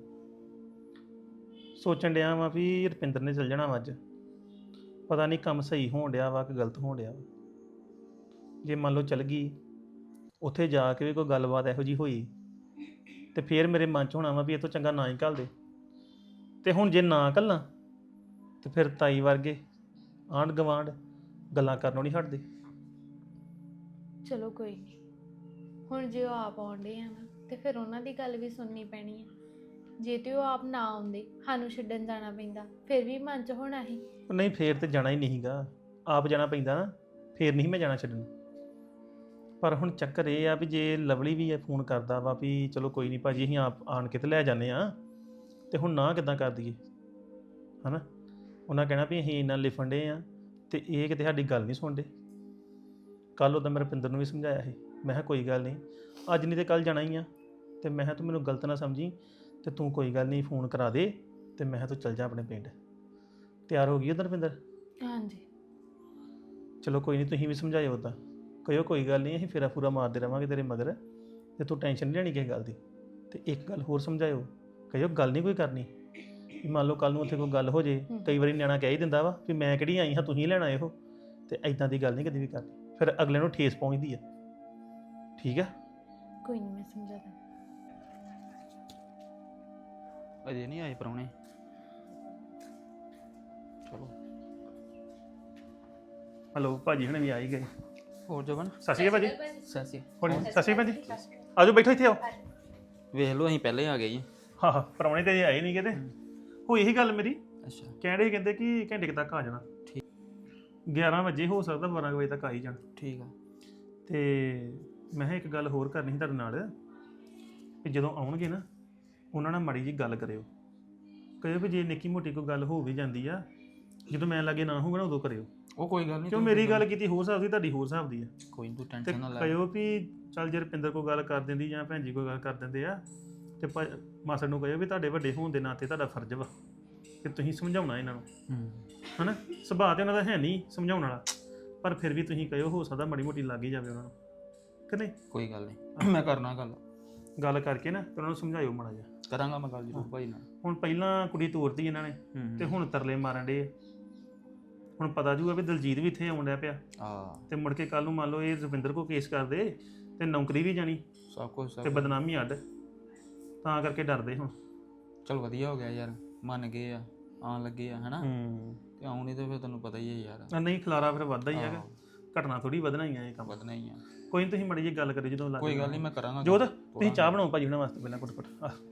[SPEAKER 4] ਸੋਚਣ ਡਿਆ ਵਾਂ ਵੀ ਰੁਪਿੰਦਰ ਨੇ ਚੱਲ ਜਾਣਾ ਵਾ ਅੱਜ। ਪਤਾ ਨਹੀਂ ਕੰਮ ਸਹੀ ਹੋਣ ਡਿਆ ਵਾ ਕਿ ਗਲਤ ਹੋਣ ਡਿਆ ਵਾ। ਜੇ ਮੰਨ ਲਓ ਚੱਲ ਗਈ, ਉੱਥੇ ਜਾ ਕੇ ਵੀ ਕੋਈ ਗੱਲਬਾਤ ਇਹੋ ਜੀ ਹੋਈ ਤੇ ਫੇਰ ਮੇਰੇ ਮਨ 'ਚ ਹੋਣਾ ਵਾ ਵੀ ਇਹ ਤੋਂ ਚੰਗਾ ਨਾ ਹੀ ਘੱਲ ਦੇ। ਤੇ ਹੁਣ ਜੇ ਨਾ ਘੱਲਾਂ ਤੇ ਫਿਰ ਤਾਈ ਵਰਗੇ ਆਂਢ ਗਵਾਂਢ ਗੱਲਾਂ ਕਰਨੋਂ ਨਹੀਂ ਹਟਦੇ।
[SPEAKER 7] ਚਲੋ ਕੋਈ ਨਹੀਂ, ਹੁਣ ਜੇ ਉਹ ਆਪ ਆਉਂਦੇ ਆ ਨਾ ਤੇ ਫਿਰ ਉਹਨਾਂ ਦੀ ਗੱਲ ਵੀ ਸੁਣਨੀ ਪੈਣੀ ਹੈ। ਜੇ ਤੇ ਉਹ ਆਪ ਨਾ ਆਉਂਦੇ, ਸਾਨੂੰ ਛੱਡਣ ਜਾਣਾ ਪੈਂਦਾ, ਫਿਰ ਵੀ ਮਨ 'ਚ ਹੋਣਾ ਸੀ।
[SPEAKER 4] ਨਹੀਂ ਫੇਰ ਤੇ ਜਾਣਾ ਹੀ ਨਹੀਂਗਾ, ਆਪ ਜਾਣਾ ਪੈਂਦਾ ਨਾ, ਫੇਰ ਨਹੀਂ ਮੈਂ ਜਾਣਾ ਛੱਡਣ। ਪਰ ਹੁਣ ਚੱਕਰ ਇਹ ਆ ਵੀ ਜੇ ਲਵਲੀ ਵੀ ਫੋਨ ਕਰਦਾ ਵਾ ਵੀ ਚਲੋ ਕੋਈ ਨਹੀਂ ਭਾਜੀ ਅਸੀਂ ਆਪ ਆਣ ਕੇ ਤੇ ਲੈ ਜਾਂਦੇ ਆ, ਤੇ ਹੁਣ ਨਾ ਕਿੱਦਾਂ ਕਰ ਦਈਏ? ਹਨਾ, ਉਹਨਾਂ ਕਹਿਣਾ ਵੀ ਅਸੀਂ ਇੰਨਾ ਲਿਫਣ ਡੇ ਆ ਤੇ ਇਹ ਕਿਤੇ ਸਾਡੀ ਗੱਲ ਨਹੀਂ ਸੁਣਦੇ। ਕੱਲ ਉਹਦਾ ਮੈਂ ਰੁਪਿੰਦਰ ਨੂੰ ਵੀ ਸਮਝਾਇਆ ਸੀ, ਮੈਂ ਕਿਹਾ ਕੋਈ ਗੱਲ ਨਹੀਂ, ਅੱਜ ਨਹੀਂ ਤੇ ਕੱਲ ਜਾਣਾ ਹੀ ਆ। ਤੇ ਮੈਂ ਕਿਹਾ ਤੂੰ ਮੈਨੂੰ ਗਲਤ ਨਾ ਸਮਝੀ, ਤੇ ਤੂੰ ਕੋਈ ਗੱਲ ਨਹੀਂ ਫੋਨ ਕਰਾ ਦੇ, ਤੇ ਮੈਂ ਕਿਹਾ ਤੂੰ ਚੱਲ ਜਾ ਆਪਣੇ ਪਿੰਡ। ਤਿਆਰ ਹੋ ਗਈ ਉਹਦਾ ਰੁਪਿੰਦਰ?
[SPEAKER 7] ਹਾਂਜੀ
[SPEAKER 4] ਚਲੋ ਕੋਈ ਨਹੀਂ, ਤੁਸੀਂ ਵੀ ਸਮਝਾਇਓ ਉੱਦਾਂ, ਕਹਿਓ ਕੋਈ ਗੱਲ ਨਹੀਂ ਅਸੀਂ ਫੇਰਾ ਫੂਰਾ ਮਾਰਦੇ ਰਵਾਂਗੇ ਤੇਰੇ ਮਗਰ, ਤੇ ਤੂੰ ਟੈਨਸ਼ਨ ਨਹੀਂ ਲੈਣੀ ਕਿਸੇ ਗੱਲ ਦੀ। ਤੇ ਇੱਕ ਗੱਲ ਹੋਰ ਸਮਝਾਇਓ, ਕਹਿਓ ਗੱਲ ਨਹੀਂ ਕੋਈ ਕਰਨੀ। ਵੀ ਮੰਨ ਲਓ ਕੱਲ ਨੂੰ ਉੱਥੇ ਕੋਈ ਗੱਲ ਹੋ ਜੇ, ਕਈ ਵਾਰੀ ਨਿਆਣਾ ਕਹਿ ਹੀ ਦਿੰਦਾ ਵਾ ਵੀ ਮੈਂ ਕਿਹੜੀ ਆਈ ਹਾਂ ਤੁਸੀਂ ਲੈਣਾ ਇਹੋ, ਤੇ ਐਦਾਂ ਦੀ ਗੱਲ ਨਹੀਂ ਕਦੀ ਵੀ ਕਰਨੀ, ਫਿਰ ਅਗਲੇ ਨੂੰ ਠੇਸ ਪਹੁੰਚਦੀ ਆ। ਠੀਕ ਆ?
[SPEAKER 7] ਕੋਈ ਨਹੀਂ, ਮੈਂ ਸਮਝਾ ਦਾਂ।
[SPEAKER 8] ਅਜੇ ਨਹੀਂ ਆਏ ਪ੍ਰਾਹੁਣੇ। ਚਲੋ
[SPEAKER 4] ਹਲੋ, ਭਾਜੀ ਹੁਣੇ ਵੀ ਆ ਹੀ ਗਏ।
[SPEAKER 8] ਹੋਰ ਜਵਨ
[SPEAKER 4] ਸਤਿ ਸ਼੍ਰੀ ਅਕਾਲ ਭਾਜੀ।
[SPEAKER 8] ਸੈਸੀ
[SPEAKER 4] ਹੁਣ ਸਤਿ ਸ਼੍ਰੀ ਅਕਾਲ ਭਾਜੀ, ਆਜੋ ਬੈਠੋ ਇੱਥੇ ਆਓ।
[SPEAKER 8] ਵੇਖ ਲਓ ਅਸੀਂ ਪਹਿਲੇ ਆ ਗਏ ਜੀ।
[SPEAKER 4] ਹਾਂ ਹਾਂ, ਪ੍ਰਾਹੁਣੇ ਤੇ ਆਏ ਨਹੀਂ ਕਿਤੇ। ਹੋਈ ਇਹੀ ਗੱਲ ਮੇਰੀ,
[SPEAKER 8] ਅੱਛਾ
[SPEAKER 4] ਕਹਿੰਦੇ ਕਹਿੰਦੇ ਕਿ ਘੰਟੇ ਕੁ ਤੱਕ ਆ ਜਾਣਾ।
[SPEAKER 8] ਠੀਕ।
[SPEAKER 4] 11 ਵਜੇ ਹੋ ਸਕਦਾ 12 ਵਜੇ ਤੱਕ ਆ ਹੀ ਜਾਣ।
[SPEAKER 8] ਠੀਕ ਆ।
[SPEAKER 4] ਤੇ ਮੈਂ ਕਿਹਾ ਇੱਕ ਗੱਲ ਹੋਰ ਕਰਨੀ ਸੀ ਤੁਹਾਡੇ ਨਾਲ, ਕਿ ਜਦੋਂ ਆਉਣਗੇ ਨਾ ਉਹਨਾਂ ਨਾਲ ਮਾੜੀ ਜੀ ਗੱਲ ਕਰਿਓ। ਕਹਿਓ ਵੀ ਜੇ ਨਿੱਕੀ ਮੋਟੀ ਕੋਈ ਗੱਲ ਹੋ ਵੀ ਜਾਂਦੀ ਆ, ਜਦੋਂ ਮੈਂ ਲਾਗੇ ਨਾ ਹੋਊਗਾ ਨਾ ਉਦੋਂ ਕਰਿਓ।
[SPEAKER 8] ਉਹ ਕੋਈ ਗੱਲ ਨਹੀਂ,
[SPEAKER 4] ਕਿਉਂ ਮੇਰੀ ਗੱਲ ਕੀਤੀ ਹੋਰ ਹਿਸਾਬ ਦੀ, ਤੁਹਾਡੀ ਹੋਰ ਹਿਸਾਬ ਦੀ ਆ।
[SPEAKER 8] ਕੋਈ ਨਹੀਂ, ਤੂੰ
[SPEAKER 4] ਤੇ
[SPEAKER 8] ਟੈਨਸ਼ਨ ਨਾ ਲੈ।
[SPEAKER 4] ਕਹਿਓ ਵੀ ਚੱਲ ਜੇ ਰੁਪਿੰਦਰ ਕੋਈ ਗੱਲ ਕਰ ਦਿੰਦੀ ਜਾਂ ਭੈਣ ਜੀ ਕੋਈ ਗੱਲ ਕਰ ਦਿੰਦੇ ਆ, ਤੇ ਮਾਸੜ ਨੂੰ ਕਹਿਓ ਵੀ ਤੁਹਾਡੇ ਵੱਡੇ ਹੋਣ ਦੇ ਨਾਤੇ ਤੁਹਾਡਾ ਫਰਜ਼ ਵਾ ਕਿ ਤੁਸੀਂ ਸਮਝਾਉਣਾ ਇਹਨਾਂ ਨੂੰ। ਹਨਾ, ਸੁਭਾਅ ਤੇ ਉਹਨਾਂ ਦਾ ਹੈ ਨਹੀਂ ਸਮਝਾਉਣ ਵਾਲਾ, ਪਰ ਫਿਰ ਵੀ ਤੁਸੀਂ ਕਹਿਓ ਹੋ ਸਕਦਾ ਮਾੜੀ ਮੋਟੀ ਲੱਗ ਹੀ ਜਾਵੇ ਉਹਨਾਂ ਨੂੰ ਕਿ ਨਹੀਂ।
[SPEAKER 8] ਕੋਈ ਗੱਲ ਨਹੀਂ ਮੈਂ ਕਰਨਾ
[SPEAKER 4] ਗੱਲ ਕਰਕੇ ਨਾ ਤੇ ਉਹਨਾਂ ਨੂੰ ਸਮਝਾਇਓ ਮਾੜਾ ਜਿਹਾ।
[SPEAKER 8] ਕਰਾਂਗਾ ਮੈਂ ਗੱਲ ਜ਼ਰੂਰ ਭਾਈ ਨਾਲ।
[SPEAKER 4] ਹੁਣ ਪਹਿਲਾਂ ਕੁੜੀ ਤੋਰਤੀ ਇਹਨਾਂ ਨੇ ਤੇ ਹੁਣ ਤਰਲੇ ਮਾਰਨ ਡੇ। ਹੁਣ ਪਤਾ ਜੂਗਾ ਵੀ ਦਲਜੀਤ ਵੀ ਇੱਥੇ ਆਉਣ ਡਿਆ ਪਿਆ ਤੇ ਮੁੜ ਕੇ ਕੱਲ ਨੂੰ ਮੰਨ ਲਓ ਇਹ ਰਵਿੰਦਰ ਕੋ ਕੇਸ ਕਰਦੇ ਤੇ ਨੌਕਰੀ ਵੀ ਜਾਣੀ
[SPEAKER 8] ਸਭ ਕੁਝ
[SPEAKER 4] ਤੇ ਬਦਨਾਮੀ ਅੱਡ, ਤਾਂ ਕਰਕੇ ਡਰਦੇ ਹੁਣ।
[SPEAKER 8] ਚਲ ਵਧੀਆ ਹੋ ਗਿਆ ਯਾਰ, ਮੰਨ ਗਏ ਆ, ਆਉਣ ਲੱਗੇ ਆ ਹਨਾ। ਤੇ ਆਉਣ ਨਹੀਂ ਤੇ ਫਿਰ ਤੈਨੂੰ ਪਤਾ ਹੀ ਹੈ ਯਾਰ।
[SPEAKER 4] ਨਹੀਂ ਖਲਾਰਾ ਫਿਰ ਵੱਧਦਾ ਹੀ ਹੈਗਾ, ਘਟਨਾ ਥੋੜੀ ਵਧਣਾ ਹੀ ਆ ਇਹ ਕੰਮ।
[SPEAKER 8] ਵਧਣਾ ਹੀ ਆ।
[SPEAKER 4] ਕੋਈ ਨਹੀਂ ਤੁਸੀਂ ਮੜੀ ਜੀ ਗੱਲ ਕਰੀ ਜਦੋਂ ਲੱਗ
[SPEAKER 8] ਕੋਈ ਗੱਲ ਨਹੀਂ ਮੈਂ ਕਰਾਂਗਾ।
[SPEAKER 4] ਜੋਤ ਤੁਸੀਂ ਚਾਹ ਬਣਾਓ ਭਾਜੀ ਉਹਨਾਂ ਵਾਸਤੇ ਪਹਿਲਾਂ ਕੁੱਟ